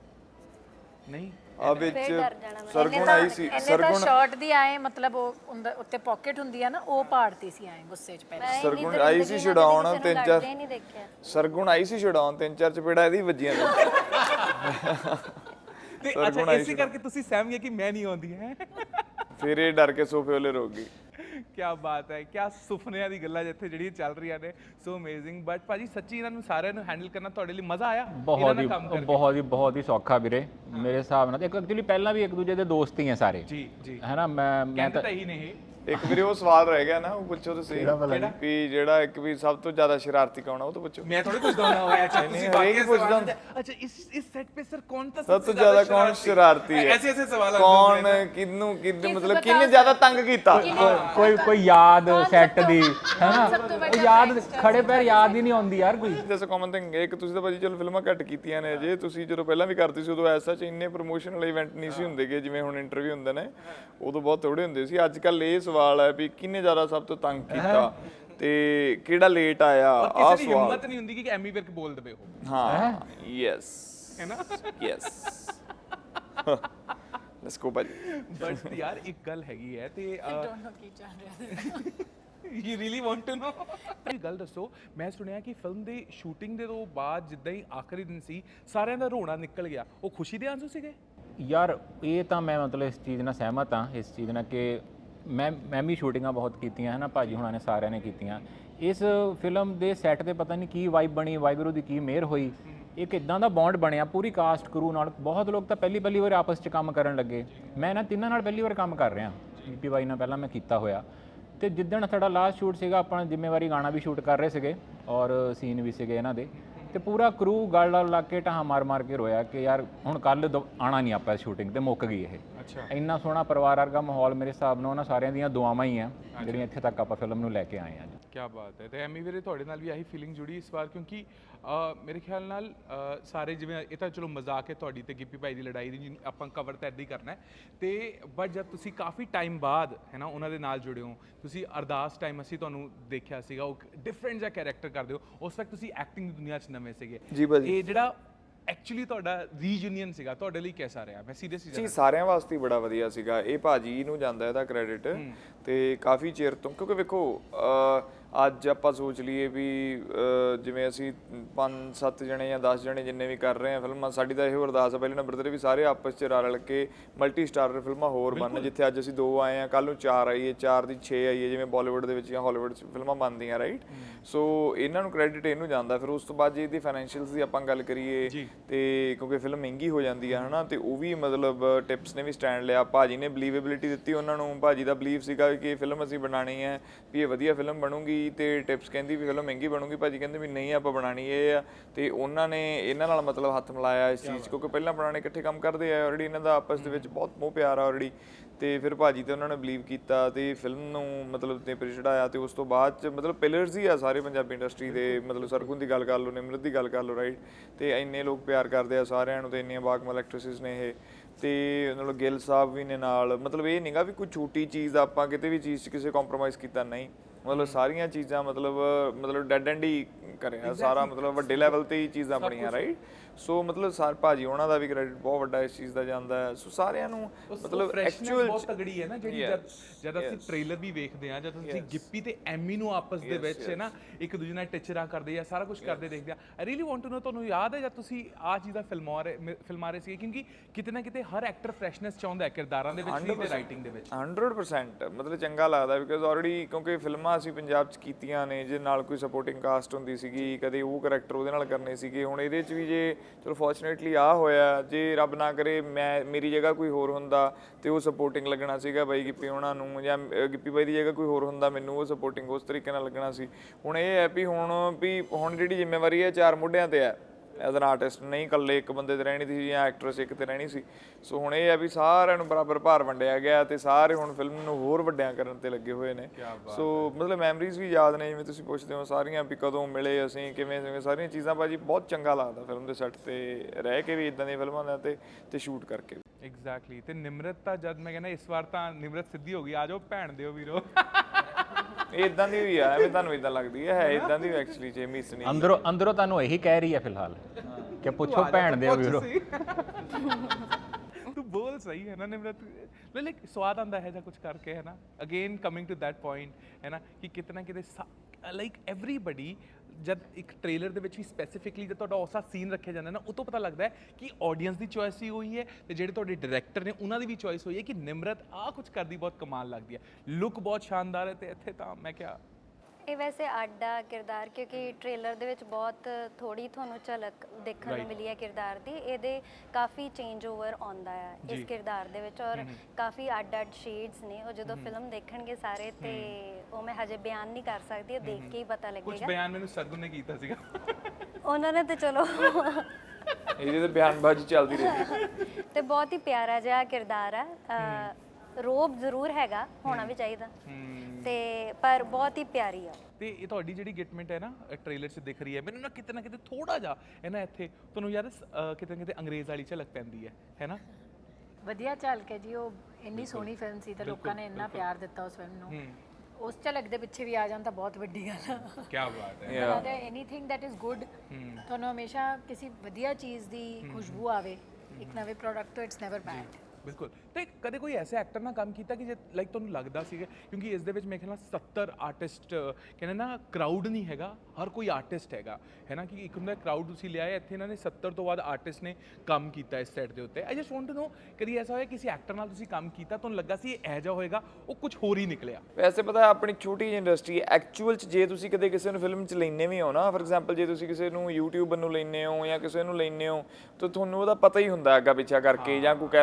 [SPEAKER 1] ਨਹੀਂ?
[SPEAKER 2] ਆ ਵਿੱਚ
[SPEAKER 5] ਫੇਰ ਡਰ ਜਾਣਾ ਮੈਂ।
[SPEAKER 2] ਸਰਗੁਣ ਆਈ ਸੀ।
[SPEAKER 3] ਇਹਨੇ ਤਾਂ
[SPEAKER 2] ਸਰਗੁਣ
[SPEAKER 3] ਸ਼ਰਟ ਦੀ ਆਏ, ਮਤਲਬ ਉਹ ਉਹਦਾ- ਉੱਤੇ ਪਾਕਟ ਹੁੰਦੀ ਆ ਨਾ, ਉਹ ਪਾੜਤੀ ਸੀ ਆਏ ਗੁੱਸੇ 'ਚ ਪਹਿਲਾਂ।
[SPEAKER 5] ਮੈਂ ਇੰਨੀ
[SPEAKER 2] ਸਰਗੁਣ
[SPEAKER 5] ਦਰਿੰਦਗੀ
[SPEAKER 2] ਆਈ ਸੀ
[SPEAKER 5] ਨਾਲ
[SPEAKER 2] ਛਡਾਉਣ,
[SPEAKER 5] ਕਿਸੇ ਨੂੰ
[SPEAKER 2] ਤਿੰਨ
[SPEAKER 5] ਲੜਦੇ
[SPEAKER 2] ਚਾਰ
[SPEAKER 5] ਹੀ ਨਹੀਂ ਦੇਖਿਆ।
[SPEAKER 2] ਸਰਗੁਣ ਆਈ ਸੀ ਛਡਾਉਣ, ਤਿੰਨ ਚਾਰ ਚਪੇੜਾ ਇਹਦੀ ਵੱਜੀਆਂ ਨੇ।
[SPEAKER 1] ਤੇ
[SPEAKER 2] ਸਰਗੁਣ
[SPEAKER 1] ਅੱਛਾ,
[SPEAKER 2] ਆਈ
[SPEAKER 1] ਇਸੇ
[SPEAKER 2] ਸੀ।
[SPEAKER 1] ਕਰਕੇ ਤੁਸੀਂ ਸਹਿਮ ਗਏ ਕਿ ਮੈਂ ਨਹੀਂ ਆਉਂਦੀ ਹੈ।
[SPEAKER 2] ਫਿਰ ਇਹ ਡਰ ਕੇ ਸੋਫੇ ਵਾਲੇ ਰੁਕ ਗਈ।
[SPEAKER 1] ਕੀ ਬਾਤ ਹੈ, ਕੀ ਸੁਪਨਿਆਂ ਦੀ ਗੱਲਾਂ ਜਿੱਥੇ ਜਿਹੜੀਆਂ ਚੱਲ ਰਹੀਆਂ ਨੇ, ਸੋ ਅਮੇਜ਼ਿੰਗ। ਬਟ ਭਾਜੀ ਸੱਚੀ ਇਹਨਾਂ ਨੂੰ ਸਾਰਿਆਂ ਨੂੰ ਹੈਂਡਲ ਕਰਨਾ ਤੁਹਾਡੇ ਲਈ ਮਜ਼ਾ ਆਇਆ?
[SPEAKER 4] ਬਹੁਤ ਹੀ
[SPEAKER 1] ਕੰਮ ਕਰਕੇ?
[SPEAKER 4] ਬਹੁਤ ਹੀ ਬਹੁਤ ਹੀ ਸੌਖਾ ਵੀਰੇ, ਮੇਰੇ ਹਿਸਾਬ ਨਾਲ। ਇੱਕ ਐਕਚੁਅਲੀ ਪਹਿਲਾਂ ਵੀ ਇੱਕ ਦੂਜੇ ਦੇ ਦੋਸਤ ਹੀ ਆ ਸਾਰੇ,
[SPEAKER 1] ਜੀ ਜੀ,
[SPEAKER 4] ਹੈ ਨਾ। ਮੈਂ ਮੈਂ
[SPEAKER 1] ਕਹਿੰਦੇ
[SPEAKER 4] ਤਾਂ
[SPEAKER 1] ਤਾਂ ਇਹੀ ਨੇ ਇਹ।
[SPEAKER 2] ਇੱਕ ਵੀਰੇ ਉਹ ਸਵਾਲ ਰਹਿ ਗਿਆ ਨਾ, ਉਹ ਪੁੱਛੋ ਤੁਸੀਂ
[SPEAKER 1] ਕਿਹੜਾ?
[SPEAKER 2] ਵੀ ਜਿਹੜਾ ਇੱਕ ਵੀ ਸਭ ਤੋਂ ਜ਼ਿਆਦਾ ਸ਼ਰਾਰਤੀ ਕੌਣ ਆ, ਉਹ ਤਾਂ ਪੁੱਛੋ।
[SPEAKER 1] मैं थोड़ी कुछ दोना हुआ है। अच्छा,
[SPEAKER 2] नहीं,
[SPEAKER 1] किसी
[SPEAKER 2] हर
[SPEAKER 1] बात
[SPEAKER 2] एक
[SPEAKER 1] के
[SPEAKER 2] ही पूछ
[SPEAKER 1] सवाल
[SPEAKER 2] रहा हूँ।
[SPEAKER 1] में- अच्छा, इस इस सेट पे सर कौन था
[SPEAKER 2] ਸਭ ਤੋਂ ਜ਼ਿਆਦਾ ਕੌਣ ਸ਼ਰਾਰਤੀ ਹੈ?
[SPEAKER 1] ऐसे ऐसे सवाल
[SPEAKER 2] ਕੌਣ ਕਿਹਨੂੰ ਕਿਹਦੇ ਮਤਲਬ ਕਿਹਨੇ ਜ਼ਿਆਦਾ ਤੰਗ ਕੀਤਾ?
[SPEAKER 4] ਕੋਈ ਕੋਈ ਯਾਦ ਸੈੱਟ ਦੀ, ਹੈ ਨਾ,
[SPEAKER 3] ਸਭ ਤੋਂ ਵੱਡਾ
[SPEAKER 4] ਉਹ ਯਾਦ ਖੜੇ ਪੈਰ ਯਾਦ ਹੀ ਨਹੀਂ ਆਉਂਦੀ ਯਾਰ ਕੋਈ।
[SPEAKER 2] ਜੈਸੇ ਕਾਮਨ ਥਿੰਗ ਇੱਕ ਤੁਸੀਂ ਤਾਂ ਭਾਜੀ ਚਲੋ ਫਿਲਮਾਂ ਘੱਟ ਕੀਤੀਆਂ ਨੇ ਅਜੇ, ਤੁਸੀਂ ਜਦੋਂ ਪਹਿਲਾਂ ਵੀ ਕਰਦੇ ਸੀ ਉਦੋਂ ਐਸਾ ਚ ਇੰਨੇ ਪ੍ਰੋਮੋਸ਼ਨਲ ਇਵੈਂਟ ਨਹੀਂ ਸੀ ਹੁੰਦੇਗੇ ਜਿਵੇਂ ਹੁਣ ਇੰਟਰਵਿਊ ਹੁੰਦੇ ਨੇ, ਉਦੋਂ ਬਹੁਤ ਥੋੜੇ ਹੁੰਦੇ ਸੀ। ਅੱਜ ਕੱਲ ਇਹ ਸਵਾਲ ਹੈ ਵੀ ਕਿਹਨੇ ਜ਼ਿਆਦਾ ਸਭ ਤੋਂ ਤੰਗ ਕੀਤਾ ਤੇ ਕਿਹੜਾ ਲੇਟ ਆਇਆ, ਆ
[SPEAKER 1] किसी की
[SPEAKER 2] ਸਵਾਲ।
[SPEAKER 1] हिम्मत नहीं होती कि एमी विर्क बोल दबे हो,
[SPEAKER 2] ਹਾਂ ਯੈਸ
[SPEAKER 1] है ना?
[SPEAKER 2] ਯੈਸ ਲੈਟਸ ਗੋ ਭਾਜੀ।
[SPEAKER 1] बट यार एक गल हैगी है ते
[SPEAKER 3] ਡੋਨਟ ਨੋ ਕੀ ਚੱਲ ਰਿਹਾ।
[SPEAKER 1] You really want to know? ਇਹ ਗੱਲ ਦੱਸੋ, ਮੈਂ ਸੁਣਿਆ ਕਿ ਫਿਲਮ ਦੀ ਸ਼ੂਟਿੰਗ ਦੇ ਤੋਂ ਬਾਅਦ ਜਿੱਦਾਂ ਹੀ ਆਖਰੀ ਦਿਨ ਸੀ, ਸਾਰਿਆਂ ਦਾ ਰੋਣਾ ਨਿਕਲ ਗਿਆ। ਉਹ ਖੁਸ਼ੀ ਦੇ ਆਂਸੂ ਸੀਗੇ?
[SPEAKER 4] ਯਾਰ ਇਹ ਤਾਂ ਮੈਂ ਮਤਲਬ ਇਸ ਚੀਜ਼ ਨਾਲ ਸਹਿਮਤ ਹਾਂ, ਇਸ ਚੀਜ਼ ਨਾਲ ਕਿ ਮੈਂ ਮੈਂ ਵੀ ਸ਼ੂਟਿੰਗਾਂ ਬਹੁਤ ਕੀਤੀਆਂ ਹੈ ਨਾ, ਭਾਜੀ ਹੁਣਾਂ ਨੇ ਸਾਰਿਆਂ ਨੇ ਕੀਤੀਆਂ। ਇਸ ਫਿਲਮ ਦੇ ਸੈੱਟ ਤੇ ਪਤਾ ਨਹੀਂ ਕੀ ਵਾਈਬ ਬਣੀ, ਵਾਹਿਗੁਰੂ ਦੀ ਕੀ ਮਿਹਰ ਹੋਈ, ਇੱਕ ਇਦਾਂ ਦਾ ਬੌਂਡ ਬਣਿਆ ਪੂਰੀ ਕਾਸਟ ਕਰੂ ਨਾਲ। ਬਹੁਤ ਲੋਕ ਤਾਂ ਪਹਿਲੀ ਪਹਿਲੀ ਵਾਰ ਆਪਸ 'ਚ ਕੰਮ ਕਰਨ ਲੱਗੇ। ਮੈਂ ਇਹਨਾਂ ਤਿੰਨਾਂ ਨਾਲ ਪਹਿਲੀ ਵਾਰ ਕੰਮ ਕਰ ਰਿਹਾ। ਬੀਪੀ ਬਾਈ ਨਾਲ ਪਹਿਲਾਂ ਮੈਂ ਕੀਤਾ ਹੋਇਆ, ਤੇ ਜਿੱਦਣ ਸਾਡਾ ਲਾਸਟ ਸ਼ੂਟ ਸੀਗਾ, ਆਪਾਂ ਜ਼ਿੰਮੇਵਾਰੀ ਗਾਣਾ ਵੀ ਸ਼ੂਟ ਕਰ ਰਹੇ ਸੀਗੇ ਔਰ ਸੀਨ ਵੀ ਸੀਗੇ ਇਹਨਾਂ ਦੇ, ਤੇ ਪੂਰਾ ਕਰੂ ਗਲ ਨਾਲ ਲਾ ਕੇ ਢਾਹਾਂ ਮਾਰ ਮਾਰ ਕੇ ਰੋਇਆ ਕਿ ਯਾਰ ਹੁਣ ਕੱਲ ਆਣਾ ਨਹੀਂ ਆਪਾਂ ਸ਼ੂਟਿੰਗ ਤੇ ਮੁੱਕ ਗਈ ਇਹ।
[SPEAKER 1] ਅੱਛਾ।
[SPEAKER 4] ਇੰਨਾ ਸੋਹਣਾ ਪਰਿਵਾਰ ਵਰਗਾ ਮਾਹੌਲ ਮੇਰੇ ਹਿਸਾਬ ਨਾਲ ਉਹਨਾਂ ਸਾਰਿਆਂ ਦੀਆਂ ਦੁਆਵਾਂ ਹੀ ਆ ਜਿਹੜੀਆਂ ਇੱਥੇ ਤੱਕ ਆਪਾਂ ਫਿਲਮ ਨੂੰ ਲੈ ਕੇ ਆਏ ਆ ਜੀ।
[SPEAKER 1] ਕੀ ਬਾਤ ਹੈ। ਤੇ ਐਮੀ ਵੀਰੇ ਤੁਹਾਡੇ ਨਾਲ ਵੀ ਆਹੀ ਫੀਲਿੰਗ ਜੁੜੀ ਇਸ ਵਾਰ, ਕਿਉਂਕਿ ਅ, ਮੇਰੇ ਖਿਆਲ ਨਾਲ ਅ, ਸਾਰੇ ਜਿਵੇਂ ਇਹ ਤਾਂ ਚਲੋ ਮਜ਼ਾਕ ਹੈ ਤੁਹਾਡੀ ਤੇ ਗਿੱਪੀ ਭਾਈ ਦੀ ਲੜਾਈ ਦੀ, ਜਿਹਨੂੰ ਆਪਾਂ ਕਵਰ ਤਾਂ ਇੱਦਾਂ ਹੀ ਕਰਨਾ ਹੈ, ਤੇ ਬਟ ਜਦ ਤੁਸੀਂ ਕਾਫੀ ਟਾਈਮ ਬਾਅਦ ਹੈ ਨਾ ਉਹਨਾਂ ਦੇ ਨਾਲ ਜੁੜੇ ਹੋ, ਤੁਸੀਂ ਅਰਦਾਸ ਟਾਈਮ ਅਸੀਂ ਤੁਹਾਨੂੰ ਦੇਖਿਆ ਸੀਗਾ, ਉਹ ਡਿਫਰੈਂਟ ਜਿਹਾ ਕੈਰੈਕਟਰ ਕਰਦੇ ਹੋ, ਉਸ ਵਕਤ ਤੁਸੀਂ ਐਕਟਿੰਗ ਦੀ ਦੁਨੀਆ 'ਚ ਨਵੇਂ ਸੀਗੇ।
[SPEAKER 2] ਜੀ ਭਾਜੀ।
[SPEAKER 1] ਇਹ ਜਿਹੜਾ ਐਕਚੁਅਲੀ ਤੁਹਾਡਾ ਰੀਯੂਨੀਅਨ ਸੀਗਾ ਤੁਹਾਡੇ ਲਈ ਕਿਹਦਾ ਰਿਹਾ? ਮੈਂ ਸੀਰੀਅਸਲੀ
[SPEAKER 2] ਜੀ ਸਾਰਿਆਂ ਵਾਸਤੇ ਹੀ ਬੜਾ ਵਧੀਆ ਸੀਗਾ। ਇਹ ਭਾਜੀ ਨੂੰ ਜਾਂਦਾ ਇਹਦਾ ਕ੍ਰੈਡਿਟ, ਤੇ ਕਾਫੀ ਚਿਰ ਤੋਂ, ਕਿਉਂਕਿ ਵੇਖੋ ਅੱਜ ਆਪਾਂ ਸੋਚ ਲਈਏ ਵੀ ਜਿਵੇਂ ਅਸੀਂ ਪੰਜ ਸੱਤ ਜਣੇ ਜਾਂ ਦਸ ਜਣੇ ਜਿੰਨੇ ਵੀ ਕਰ ਰਹੇ ਆ ਫਿਲਮਾਂ, ਸਾਡੀ ਤਾਂ ਇਹੋ ਅਰਦਾਸ ਆ ਪਹਿਲੇ ਨੰਬਰ ਤੇ ਵੀ ਸਾਰੇ ਆਪਸ 'ਚ ਰਲ ਕੇ ਮਲਟੀ ਸਟਾਰਰ ਫਿਲਮਾਂ ਹੋਰ ਬਣਨ। ਜਿੱਥੇ ਅੱਜ ਅਸੀਂ ਦੋ ਆਏ ਆ, ਕੱਲ ਨੂੰ ਚਾਰ ਆਈਏ, ਚਾਰ ਦੀ ਛੇ ਆਈਏ, ਜਿਵੇਂ ਬਾਲੀਵੁੱਡ ਦੇ ਵਿੱਚ ਜਾਂ ਹਾਲੀਵੁੱਡ 'ਚ ਫਿਲਮਾਂ ਬਣਦੀਆਂ, ਰਾਈਟ। ਸੋ ਇਹਨਾਂ ਨੂੰ ਕ੍ਰੈਡਿਟ ਇਹਨੂੰ ਜਾਂਦਾ। ਫਿਰ ਉਸ ਤੋਂ ਬਾਅਦ ਜੇ ਇਹਦੀ ਫਾਈਨੈਂਸ਼ੀਅਲਸ ਦੀ ਆਪਾਂ ਗੱਲ ਕਰੀਏ, ਤੇ ਕਿਉਂਕਿ ਫਿਲਮ ਮਹਿੰਗੀ ਹੋ ਜਾਂਦੀ ਆ ਹਨਾ, ਤੇ ਉਹ ਵੀ ਮਤਲਬ ਟਿਪਸ ਨੇ ਵੀ ਸਟੈਂਡ ਲਿਆ, ਭਾਜੀ ਨੇ ਬਲੀਵੇਬਿਲਿਟੀ ਦਿੱਤੀ ਉਹਨਾਂ ਨੂੰ। ਭਾਜੀ ਦਾ ਬਲੀਵ ਸੀਗਾ ਕਿ ਇਹ ਫਿਲਮ ਅਸੀਂ ਬਣਾਉਣੀ ਹੈ, ਵੀ ਇਹ ਵਧੀਆ ਫਿਲਮ ਬਣੂਗੀ, ਤੇ ਟਿਪਸ ਕਹਿੰਦੀ ਵੀ ਫਿਲਮ ਮਹਿੰਗੀ ਬਣੂਗੀ, ਭਾਜੀ ਕਹਿੰਦੇ ਵੀ ਨਹੀਂ ਆਪਾਂ ਬਣਾਉਣੀ ਇਹ ਆ, ਤੇ ਉਹਨਾਂ ਨੇ ਇਹਨਾਂ ਨਾਲ ਮਤਲਬ ਹੱਥ ਮਿਲਾਇਆ ਇਸ ਚੀਜ਼, ਕਿਉਂਕਿ ਪਹਿਲਾਂ ਬਣਾਉਣੇ ਇਕੱਠੇ ਕੰਮ ਕਰਦੇ ਆ ਆਲਰੇਡੀ, ਇਹਨਾਂ ਦਾ ਆਪਸ ਦੇ ਵਿੱਚ ਬਹੁਤ ਮੋਹ ਪਿਆਰ ਆ ਆਲਰੇਡੀ। ਤੇ ਫਿਰ ਭਾਜੀ ਤੇ ਉਹਨਾਂ ਨੇ ਬਲੀਵ ਕੀਤਾ ਤੇ ਫਿਲਮ ਨੂੰ ਮਤਲਬ ਤੇ ਪਰ ਚੜਾਇਆ। ਤੇ ਉਸ ਤੋਂ ਬਾਅਦ ਚ ਮਤਲਬ ਪਿਲਰਸ ਹੀ ਆ ਸਾਰੇ ਪੰਜਾਬੀ ਇੰਡਸਟਰੀ ਦੇ, ਮਤਲਬ ਸਰਗੁਣ ਦੀ ਗੱਲ ਕਰ ਲਓ, ਨਿਮਰਤ ਦੀ ਗੱਲ ਕਰ ਲਓ, ਰਾਈਟ। ਤੇ ਇੰਨੇ ਲੋਕ ਪਿਆਰ ਕਰਦੇ ਆ ਸਾਰਿਆਂ ਨੂੰ, ਤੇ ਇੰਨੀਆਂ ਬਾਕਮਾਲ ਐਕਟਰਸਿਸ ਨੇ ਇਹ, ਤੇ ਮਤਲਬ ਗਿੱਲ ਸਾਹਿਬ ਵੀ ਨੇ ਨਾਲ। ਮਤਲਬ ਇਹ ਨਹੀਂਗਾ ਵੀ ਕੋਈ ਛੋਟੀ ਚੀਜ਼ ਆਪਾਂ ਕਿਤੇ ਵੀ ਚੀਜ਼ 'ਚ ਕਿਸੇ ਕੰਪਰੋਮਾਈਜ਼ ਕੀਤਾ, ਨਹੀਂ, ਮਤਲਬ ਸਾਰੀਆਂ ਚੀਜ਼ਾਂ ਮਤਲਬ ਮਤਲਬ ਡੈਡ ਐਂਡ ਹੀ ਕਰਿਆ ਸਾਰਾ, ਮਤਲਬ ਵੱਡੇ ਲੈਵਲ ਤੇ ਹੀ ਚੀਜ਼ਾਂ ਬਣੀਆਂ, ਰਾਈਟ। ਸੋ ਮਤਲਬ ਸਾਰ ਭਾਜੀ ਉਹਨਾਂ ਦਾ ਵੀ ਕ੍ਰੈਡਿਟ ਬਹੁਤ ਵੱਡਾ ਇਸ ਚੀਜ਼ ਦਾ ਜਾਂਦਾ ਹੈ। ਸੋ ਸਾਰਿਆਂ ਨੂੰ ਮਤਲਬ ਐਕਚੁਅਲ
[SPEAKER 1] ਬਹੁਤ ਤਗੜੀ ਹੈ ਨਾ, ਜਿਹੜੀ ਜਦ ਜਦ ਅਸੀਂ ਟ੍ਰੇਲਰ ਵੀ ਵੇਖਦੇ ਆ, ਜਦ ਅਸੀਂ ਗਿੱਪੀ ਤੇ ਐਮੀ ਨੂੰ ਆਪਸ ਦੇ ਵਿੱਚ ਹੈ ਨਾ ਇੱਕ ਦੂਜੇ ਨਾਲ ਟਿਚਰਾਂ ਕਰਦੇ ਆ, ਸਾਰਾ ਕੁਝ ਕਰਦੇ ਦੇਖਦੇ ਆ। I really want to know, ਤੁਹਾਨੂੰ ਯਾਦ ਹੈ ਜਦ ਤੁਸੀਂ ਆਹ ਚੀਜ਼ ਦਾ ਫਿਲਮਾ ਰਹੇ ਫਿਲਮਾ ਰਹੇ ਸੀ, ਕਿਉਂਕਿ ਕਿਤੇ ਨਾ ਕਿਤੇ ਹਰ ਐਕਟਰ ਫਰੈਸ਼ਨੈਸ ਚਾਹੁੰਦਾ ਹੈ ਕਿਰਦਾਰਾਂ ਦੇ ਵਿੱਚ ਵੀ ਤੇ ਰਾਈਟਿੰਗ ਦੇ ਵਿੱਚ।
[SPEAKER 2] ਹੰਡਰਡ ਪਰਸੈਂਟ ਮਤਲਬ ਚੰਗਾ ਲੱਗਦਾ, ਬਿਕਾਜ਼ ਆਲਰੇਡੀ ਕਿਉਂਕਿ ਫਿਲਮਾਂ ਅਸੀਂ ਪੰਜਾਬ 'ਚ ਕੀਤੀਆਂ ਨੇ, ਜੇ ਨਾਲ ਕੋਈ ਸਪੋਰਟਿੰਗ ਕਾਸਟ ਹੁੰਦੀ ਸੀਗੀ, ਕਦੇ ਉਹ ਕਰੈਕਟਰ ਉਹਦੇ ਨਾਲ ਕਰਨੇ ਸੀਗੇ। ਹੁਣ ਇਹਦੇ 'ਚ ਵੀ ਜੇ ਚਲੋ ਫੋਰਚੂਨੇਟਲੀ ਆ ਹੋਇਆ, ਜੇ ਰੱਬ ਨਾ ਕਰੇ ਮੈਂ ਮੇਰੀ ਜਗ੍ਹਾ ਕੋਈ ਹੋਰ ਹੁੰਦਾ ਤੇ ਉਹ ਸਪੋਰਟਿੰਗ ਲੱਗਣਾ ਸੀਗਾ ਬਾਈ ਗਿੱਪੀ ਉਹਨਾਂ ਨੂੰ, ਜਾਂ ਗਿੱਪੀ ਬਾਈ ਦੀ ਜਗ੍ਹਾ ਕੋਈ ਹੋਰ ਹੁੰਦਾ ਮੈਨੂੰ ਉਹ ਸਪੋਰਟਿੰਗ ਉਸ ਤਰੀਕੇ ਨਾਲ ਲੱਗਣਾ ਸੀ। ਹੁਣ ਇਹ ਹੈ ਵੀ ਹੁਣ ਵੀ ਹੁਣ ਜਿਹੜੀ ਜ਼ਿੰਮੇਵਾਰੀ ਹੈ ਚਾਰ ਮੁੱਢਿਆਂ ਤੇ ਹੈ ਐਜ਼ ਐਨ ਆਰਟਿਸਟ, ਨਹੀਂ ਇਕੱਲੇ ਇੱਕ ਬੰਦੇ ਤੇ ਰਹਿਣੀ ਸੀ ਜਾਂ ਐਕਟਰਸ ਇੱਕ ਤੇ ਰਹਿਣੀ ਸੀ। ਸੋ ਹੁਣ ਇਹ ਹੈ ਵੀ ਸਾਰਿਆਂ ਨੂੰ ਬਰਾਬਰ ਭਾਰ ਵੰਡਿਆ ਗਿਆ, ਤੇ ਸਾਰੇ ਹੁਣ ਫਿਲਮ ਨੂੰ ਹੋਰ ਵੱਡਿਆਂ ਕਰਨ ਤੇ ਲੱਗੇ ਹੋਏ ਨੇ। ਸੋ ਮਤਲਬ ਮੈਮਰੀਜ਼ ਵੀ ਯਾਦ ਨੇ, ਜਿਵੇਂ ਤੁਸੀਂ ਪੁੱਛਦੇ ਹੋ ਸਾਰੀਆਂ ਵੀ ਕਦੋਂ ਮਿਲੇ ਅਸੀਂ, ਕਿਵੇਂ ਜਿਵੇਂ ਸਾਰੀਆਂ ਚੀਜ਼ਾਂ ਭਾਜੀ ਬਹੁਤ ਚੰਗਾ ਲੱਗਦਾ ਫਿਲਮ ਦੇ ਸੈੱਟ ਤੇ ਰਹਿ ਕੇ ਵੀ ਇਦਾਂ ਦੀਆਂ ਫਿਲਮਾਂ ਦਾ ਤੇ ਤੇ ਸ਼ੂਟ ਕਰਕੇ।
[SPEAKER 1] ਐਗਜ਼ੈਕਟਲੀ। ਤੇ ਨਿਮਰਤ ਤਾਂ ਜਦ ਮੈਂ ਕਹਿੰਦਾ ਇਸ ਵਾਰ ਤਾਂ ਨਿਮਰਤ ਸਿੱਧੀ ਹੋ ਗਈ, ਆ ਜਾਓ ਭੈਣ ਦਿਓ ਵੀਰੋ।
[SPEAKER 2] ਇਹ ਇਦਾਂ ਦੀ ਵੀ ਆ, ਐਵੇਂ ਤੁਹਾਨੂੰ ਇਦਾਂ ਲੱਗਦੀ ਹੈ, ਹੈ ਇਦਾਂ ਦੀ ਐਕਚੁਅਲੀ ਜੇ ਮਿਸ ਨਹੀਂ।
[SPEAKER 4] ਅੰਦਰੋਂ ਅੰਦਰੋਂ ਤੁਹਾਨੂੰ ਇਹੀ ਕਹਿ ਰਹੀ ਹੈ ਫਿਲਹਾਲ ਕਿ ਪੁੱਛੋ ਭੈਣ ਦੇ ਵੀਰੋ।
[SPEAKER 1] ਤੂੰ ਬੋਲ ਸਹੀ ਹੈ ਨਾ ਨਿਮਰਤ, ਲਾਈਕ ਸਵਾਦ ਆਉਂਦਾ ਹੈ ਜਾਂ ਕੁਝ ਕਰਕੇ, ਹੈ ਨਾ। Again coming to that point, ਹੈ ਨਾ, ਕਿ ਕਿਤੇ ਨਾ ਕਿਤੇ ਲਾਈਕ ਐਵਰੀਬਡੀ ਜਦ ਇੱਕ ਟ੍ਰੇਲਰ ਦੇ ਵਿੱਚ ਵੀ ਸਪੈਸੀਫਿਕਲੀ ਜਦ ਤੁਹਾਡਾ ਉਸਾ ਸੀਨ ਰੱਖਿਆ ਜਾਂਦਾ ਨਾ, ਉਹ ਤੋਂ ਪਤਾ ਲੱਗਦਾ ਹੈ ਕਿ ਆਡੀਅנס ਦੀ ਚੋਇਸ ਹੀ ਹੋਈ ਹੈ, ਤੇ ਜਿਹੜੇ ਤੁਹਾਡੇ ਡਾਇਰੈਕਟਰ ਨੇ ਉਹਨਾਂ ਦੀ ਵੀ ਚੋਇਸ ਹੋਈ ਹੈ ਕਿ ਨਿਮਰਤ ਆਹ ਕੁਝ ਕਰਦੀ ਬਹੁਤ ਕਮਾਲ ਲੱਗਦੀ ਹੈ, ਲੁੱਕ ਬਹੁਤ ਸ਼ਾਨਦਾਰ ਹੈ। ਤੇ ਇੱਥੇ ਤਾਂ ਮੈਂ ਕਿਹਾ
[SPEAKER 5] ਇਹ ਵੈਸੇ ਆਡਾ ਕਿਰਦਾਰ, ਕਿਉਂਕਿ ਟ੍ਰੇਲਰ ਦੇ ਵਿੱਚ ਬਹੁਤ ਥੋੜੀ ਤੁਹਾਨੂੰ ਝਲਕ ਦੇਖਣ ਨੂੰ ਮਿਲੀ ਹੈ ਕਿਰਦਾਰ ਦੀ, ਇਹਦੇ ਕਾਫੀ ਚੇਂਜ ਓਵਰ ਆਉਂਦਾ ਹੈ ਇਸ ਕਿਰਦਾਰ ਦੇ ਵਿੱਚ, ਔਰ ਕਾਫੀ ਅੱਡ ਅੱਡ ਸ਼ੇਡਸ ਨੇ। ਉਹ ਜਦੋਂ ਫਿਲਮ ਦੇਖਣਗੇ ਸਾਰੇ, ਤੇ ਉਹ ਮੈਂ ਹਜੇ ਬਿਆਨ ਨਹੀਂ ਕਰ ਸਕਦੀ, ਉਹ ਦੇਖ ਕੇ ਹੀ ਪਤਾ
[SPEAKER 1] ਕੁਝ
[SPEAKER 5] ਲੱਗੇਗਾ।
[SPEAKER 1] ਬਿਆਨ ਮੈਨੂੰ ਸਰਗੁਣ ਨੇ ਕੀਤਾ ਸੀਗਾ,
[SPEAKER 5] ਉਹਨਾਂ ਨੇ ਤੇ ਚਲੋ
[SPEAKER 2] ਇਹਦੇ ਤੇ ਬਿਆਨਬਾਜ਼ੀ ਚੱਲਦੀ ਰਹੀ।
[SPEAKER 5] ਤੇ ਬਹੁਤ ਹੀ ਪਿਆਰਾ ਜਿਹਾ ਕਿਰਦਾਰ ਹੈ, ਰੋਬ ਜ਼ਰੂਰ ਹੈਗਾ, ਹੋਣਾ ਵੀ ਚਾਹੀਦਾ, ਤੇ ਪਰ ਬਹੁਤ ਹੀ ਪਿਆਰੀ ਆ।
[SPEAKER 1] ਤੇ ਇਹ ਤੁਹਾਡੀ ਜਿਹੜੀ ਗਿਟਮੈਂਟ ਹੈ ਨਾ ਟ੍ਰੇਲਰ 'ਚ ਦਿਖ ਰਹੀ ਹੈ, ਮੈਨੂੰ ਨਾ ਕਿਤੇ ਨਾ ਕਿਤੇ ਥੋੜਾ ਜਿਹਾ ਹੈ ਨਾ, ਇੱਥੇ ਤੁਹਾਨੂੰ ਯਾਦ ਕਿਤੇ ਨਾ ਕਿਤੇ ਅੰਗਰੇਜ਼ ਵਾਲੀ ਝਲਕ ਪੈਂਦੀ ਹੈ, ਹੈ ਨਾ।
[SPEAKER 3] ਵਧੀਆ ਝਲਕ ਹੈ ਜੀ, ਉਹ ਇੰਨੀ ਸੋਹਣੀ ਫਿਲਮ ਸੀ ਤੇ ਲੋਕਾਂ ਨੇ ਇੰਨਾ ਪਿਆਰ ਦਿੱਤਾ ਉਸ ਫਿਲਮ ਨੂੰ, ਉਸ ਝਲਕ ਦੇ ਪਿੱਛੇ ਵੀ ਆ ਜਾਣ ਤਾਂ ਬਹੁਤ ਵੱਡੀ ਗੱਲ ਆ।
[SPEAKER 1] ਕੀ ਬਾਤ ਹੈ।
[SPEAKER 3] ਐਨੀਥਿੰਗ ਦੈਟ ਇਜ਼ ਗੁੱਡ, ਤੁਹਾਨੂੰ ਹਮੇਸ਼ਾ ਕਿਸੇ ਵਧੀਆ ਚੀਜ਼ ਦੀ ਖੁਸ਼ਬੂ ਆਵੇ ਇੱਕ ਨਵੇਂ ਪ੍ਰੋਡਕਟ ਤੋਂ, ਇਟਸ ਨੈਵਰ ਬੈਡ।
[SPEAKER 1] ਬਿਲਕੁਲ। ਤੇ ਕਦੇ ਕੋਈ ਐਸੇ ਐਕਟਰ ਨਾਲ ਕੰਮ ਕੀਤਾ ਕਿ ਜੇ ਲਾਈਕ ਤੁਹਾਨੂੰ ਲੱਗਦਾ ਸੀਗਾ, ਕਿਉਂਕਿ ਇਸ ਦੇ ਵਿੱਚ ਮੇਰੇ ਖਿਆਲ ਨਾਲ ਸੱਤਰ ਆਰਟਿਸਟ ਕਹਿੰਦੇ ਨਾ, ਕਰਾਊਡ ਨਹੀਂ ਹੈਗਾ, ਹਰ ਕੋਈ ਆਰਟਿਸਟ ਹੈਗਾ, ਹੈ ਨਾ, ਕਿ ਇੱਕ ਹੁੰਦਾ ਕਰਾਊਡ ਤੁਸੀਂ ਲਿਆਏ, ਇੱਥੇ ਇਹਨਾਂ ਨੇ ਸੱਤਰ ਤੋਂ ਬਾਅਦ ਆਰਟਿਸਟ ਨੇ ਕੰਮ ਕੀਤਾ ਇਸ ਸੈਟ ਦੇ ਉੱਤੇ। I just want to know, ਕਦੀ ਐਸਾ ਹੋਇਆ ਕਿਸੇ ਐਕਟਰ ਨਾਲ ਤੁਸੀਂ ਕੰਮ ਕੀਤਾ, ਤੁਹਾਨੂੰ ਲੱਗਾ ਸੀ ਇਹ ਜਿਹਾ ਹੋਏਗਾ, ਉਹ ਕੁਝ ਹੋਰ ਹੀ ਨਿਕਲਿਆ?
[SPEAKER 2] ਵੈਸੇ ਪਤਾ ਆਪਣੀ ਛੋਟੀ ਜਿਹੀ ਇੰਡਸਟਰੀ ਐਕਚੁਅਲ 'ਚ ਜੇ ਤੁਸੀਂ ਕਦੇ ਕਿਸੇ ਨੂੰ ਫਿਲਮ 'ਚ ਲੈਂਦੇ ਵੀ ਹੋ ਨਾ, ਫੋਰ ਐਗਜ਼ਾਮਪਲ ਜੇ ਤੁਸੀਂ ਕਿਸੇ ਨੂੰ ਯੂਟਿਊਬਰ ਨੂੰ ਲੈਂਦੇ ਹੋ ਜਾਂ ਕਿਸੇ ਨੂੰ ਲੈਂਦੇ ਹੋ, ਤਾਂ ਤੁਹਾਨੂੰ ਉਹਦਾ ਪਤਾ ਹੀ ਹੁੰਦਾ ਅੱਗਾ ਪਿੱਛਾ ਕਰਕੇ, ਜਾਂ ਕੋਈ ਕਹਿ ਲਓ ਵੀ ਉਹ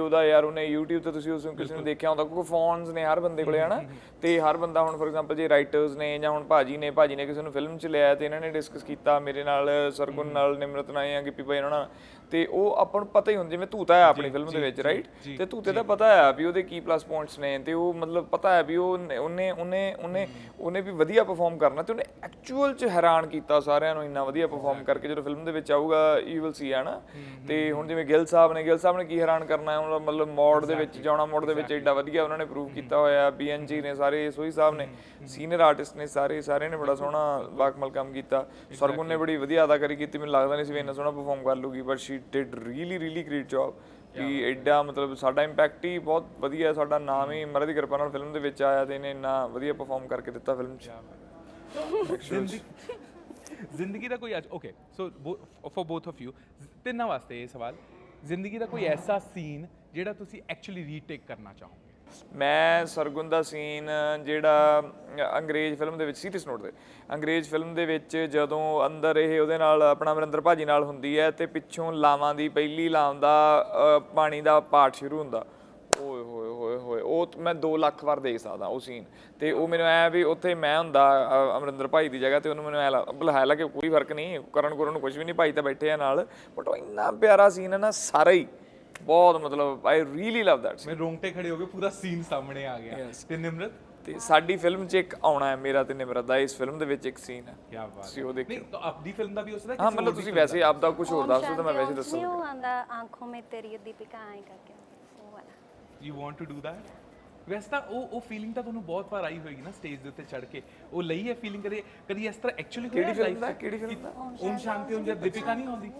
[SPEAKER 2] ਉਹਦਾ ਯਾਰ ਉਹਨੇ YouTube ਤੇ ਤੁਸੀਂ ਉਸ ਨੂੰ ਕਿਸੇ ਨੂੰ ਦੇਖਿਆ ਹੁੰਦਾ ਕਿਉਂਕਿ ਫੋਨਸ ਨੇ ਹਰ ਬੰਦੇ ਕੋਲੇ ਹਨਾ ਤੇ ਹਰ ਬੰਦਾ ਹੁਣ ਫੋਰ ਐਗਜ਼ਾਮਪਲ ਜੇ ਰਾਈਟਰਸ ਨੇ ਜਾਂ ਹੁਣ ਭਾਜੀ ਨੇ ਭਾਜੀ ਨੇ ਕਿਸੇ ਨੂੰ ਫਿਲਮ 'ਚ ਲਿਆ ਤੇ ਇਹਨਾਂ ਨੇ ਡਿਸਕਸ ਕੀਤਾ ਮੇਰੇ ਨਾਲ ਸਰਗੁਣ ਨਾਲ ਨਿਮਰਤ ਨਾਲ ਜਾਂ ਗਿੱਪੀ ਭਾਈ ਉਹਨਾਂ ਨਾਲ ਤੇ ਉਹ ਆਪਾਂ ਨੂੰ ਪਤਾ ਹੀ ਹੁੰਦਾ ਜਿਵੇਂ ਧੂਤਾ ਹੈ ਆਪਣੀ ਫਿਲਮ ਦੇ ਵਿੱਚ ਰਾਈਟ ਤੇ ਧੂਤੇ ਦਾ ਪਤਾ ਹੈ ਵੀ ਉਹਦੇ ਕੀ ਪਲੱਸ ਪੁਆਇੰਟਸ ਨੇ ਤੇ ਉਹ ਮਤਲਬ ਪਤਾ ਹੈ ਵੀ ਉਹ ਉਹਨੇ ਉਹਨੇ ਉਹਨੇ ਉਹਨੇ ਵੀ ਵਧੀਆ ਪਰਫਾਰਮ ਕਰਨਾ ਤੇ ਉਹਨੇ ਐਕਚੁਅਲ 'ਚ ਹੈਰਾਨ ਕੀਤਾ ਸਾਰਿਆਂ ਨੂੰ ਇੰਨਾ ਵਧੀਆ ਪਰਫਾਰਮ ਕਰਕੇ ਜਦੋਂ ਫਿਲਮ ਦੇ ਵਿੱਚ ਆਊਗਾ ਯੂ ਵਿਲ ਸੀ ਹੈ ਨਾ ਤੇ ਹੁਣ ਜਿਵੇਂ ਗਿੱਲ ਸਾਹਿਬ ਨੇ ਗਿੱਲ ਸਾਹਿਬ ਨੇ ਕੀ ਹੈਰਾਨ ਕਰਨਾ ਹੈ ਉਹਨਾਂ ਮਤਲਬ ਮੋਡ ਦੇ ਵਿੱਚ ਜਾਣਾ ਮੋਡ ਦੇ ਵਿੱਚ ਐਡਾ ਵਧੀਆ ਉਹਨਾਂ ਨੇ ਪ੍ਰੂਵ ਕੀਤਾ ਹੋਇਆ ਬੀ ਐਨ ਜੀ ਨੇ ਸਾਰੇ ਸੋਹੀ ਸਾਹਿਬ ਨੇ ਸੀਨੀਅਰ ਆਰਟਿਸਟ ਨੇ ਸਾਰੇ ਸਾਰਿਆਂ ਨੇ ਬੜਾ ਸੋਹਣਾ ਬਾਕਮਲ ਕੰਮ ਕੀਤਾ ਸਰਗੁਣ ਨੇ ਬੜੀ ਵਧੀਆ ਅਦਾਕਾਰੀ ਕੀਤੀ ਮੈਨੂੰ ਲੱਗਦਾ ਨਹੀਂ ਸੀ ਵੀ ਇੰਨਾ ਸੋਹਣਾ ਪਰਫਾਰਮ ਕਰ ਲੂਗੀ but she did really really great job ਵੀ ਐਡਾ ਮਤਲਬ ਸਾਡਾ ਇੰਪੈਕਟ ਹੀ ਬਹੁਤ ਵਧੀਆ ਸਾਡਾ ਨਾਮ ਹੀ ਮਹਾਰਾਜ ਦੀ ਕਿਰਪਾ ਨਾਲ ਫਿਲਮ ਦੇ ਵਿੱਚ ਆਇਆ ਤੇ ਇਹਨੇ ਇੰਨਾ ਵਧੀਆ ਪਰਫਾਰਮ ਕਰਕੇ ਦਿੱਤਾ ਫਿਲਮ 'ਚ
[SPEAKER 1] ਜ਼ਿੰਦਗੀ ਦਾ ਕੋਈ ਅੱਜ okay so for both of you ਤਿੰਨਾਂ ਵਾਸਤੇ ਇਹ ਸਵਾਲ ਜ਼ਿੰਦਗੀ ਦਾ ਕੋਈ ਐਸਾ ਸੀਨ ਜਿਹੜਾ ਤੁਸੀਂ ਐਕਚੁਅਲੀ ਰੀਟੇਕ ਕਰਨਾ ਚਾਹੋਗੇ
[SPEAKER 2] ਮੈਂ ਸਰਗੁਣ ਦਾ ਸੀਨ ਜਿਹੜਾ ਅੰਗਰੇਜ਼ ਫਿਲਮ ਦੇ ਵਿੱਚ ਸੀਰੀਅਸ ਨੋਟ ਦੇ ਅੰਗਰੇਜ਼ ਫਿਲਮ ਦੇ ਵਿੱਚ ਜਦੋਂ ਅੰਦਰ ਇਹ ਉਹਦੇ ਨਾਲ ਆਪਣਾ ਅਮਰਿੰਦਰ ਭਾਜੀ ਨਾਲ ਹੁੰਦੀ ਹੈ ਤੇ ਪਿੱਛੋਂ ਲਾਵਾਂ ਦੀ ਪਹਿਲੀ ਲਾਮ ਦਾ ਪਾਣੀ ਦਾ ਪਾਠ ਸ਼ੁਰੂ ਹੁੰਦਾ ਓਏ ਹੋਏ ਹੋਏ ਹੋਏ ਉਹ ਮੈਂ ਦੋ ਲੱਖ ਵਾਰ ਦੇਖ ਸਕਦਾ ਉਹ ਸੀਨ ਤੇ ਉਹ ਮੈਨੂੰ ਐ ਵੀ ਉੱਥੇ ਮੈਂ ਹੁੰਦਾ ਅਮਰਿੰਦਰ ਭਾਈ ਦੀ ਜਗ੍ਹਾ ਤੇ ਉਹਨੂੰ ਮੈਨੂੰ ਐ ਲੱਗਦਾ ਹਾਲਾਂਕਿ ਕੋਈ ਫਰਕ ਨਹੀਂ ਕਰਨ ਕਰਨ ਨੂੰ ਕੁਝ ਵੀ ਨਹੀਂ ਭਾਈ ਤਾਂ ਬੈਠੇ ਆ ਨਾਲ ਬਟ ਉਹ ਇੰਨਾ ਪਿਆਰਾ ਸੀਨ ਹੈ ਨਾ ਸਾਰਾ ਹੀ ਬਹੁਤ ਮਤਲਬ ਆਈ ਰੀਲੀ ਲਵ ਦੈਟ
[SPEAKER 1] ਮੈਂ ਰੋਂਗਟੇ ਖੜੇ ਹੋ ਗਏ ਪੂਰਾ ਸੀਨ ਸਾਹਮਣੇ ਆ ਗਿਆ ਤੇ ਨਿਮਰਤ
[SPEAKER 2] ਤੇ ਸਾਡੀ ਫਿਲਮ 'ਚ ਇੱਕ ਆਉਣਾ ਹੈ ਮੇਰਾ ਤੇ ਨਿਮਰਤ ਦਾ ਇਸ ਫਿਲਮ ਦੇ ਵਿੱਚ ਇੱਕ ਸੀਨ ਹੈ
[SPEAKER 1] ਕੀ ਬਾਤ
[SPEAKER 2] ਤੁਸੀਂ ਉਹ ਦੇਖਿਓ
[SPEAKER 1] ਨਹੀਂ ਤਾਂ ਆਪਦੀ ਫਿਲਮ ਦਾ ਵੀ ਹੋ ਸਕਦਾ
[SPEAKER 2] ਹਾਂ ਮਤਲਬ ਤੁਸੀਂ ਵੈਸੇ ਆਪ ਦਾ ਕੁਝ ਹੋਰ ਦੱਸ ਦਿਓ ਤਾਂ ਮੈਂ ਵੈਸੇ ਦੱਸਾਂ
[SPEAKER 5] ਨਹੀਂ ਉਹ ਆਂਦਾ ਆਂਖੋਂ ਮੇ ਤੇਰੀ ਦੀਪਿਕਾ ਆਏ ਕਰਕੇ ਉਹ ਵਾਲਾ
[SPEAKER 1] you want to do that ਵੈਸੇ ਤਾਂ ਉਹ ਉਹ ਫੀਲਿੰਗ ਤਾਂ ਤੁਹਾਨੂੰ ਬਹੁਤ ਵਾਰ ਆਈ ਹੋਏਗੀ ਨਾ ਸਟੇਜ ਦੇ ਉੱਤੇ ਚੜ ਕੇ ਉਹ ਲਈ ਹੈ ਫੀਲਿੰਗ ਕਦੇ ਕਦੀ ਇਸ ਤਰ੍ਹਾਂ ਐਕਚੁਅਲੀ
[SPEAKER 2] ਕਿਹੜੀ ਫਿਲਮ ਦਾ ਕਿਹੜੀ ਫਿਲਮ ਦਾ
[SPEAKER 1] ਓਮ ਸ਼ਾਂਤੀ ਓਮ ਜਦ ਦੀਪਿਕਾ ਨਹੀਂ ਆਉਂਦੀ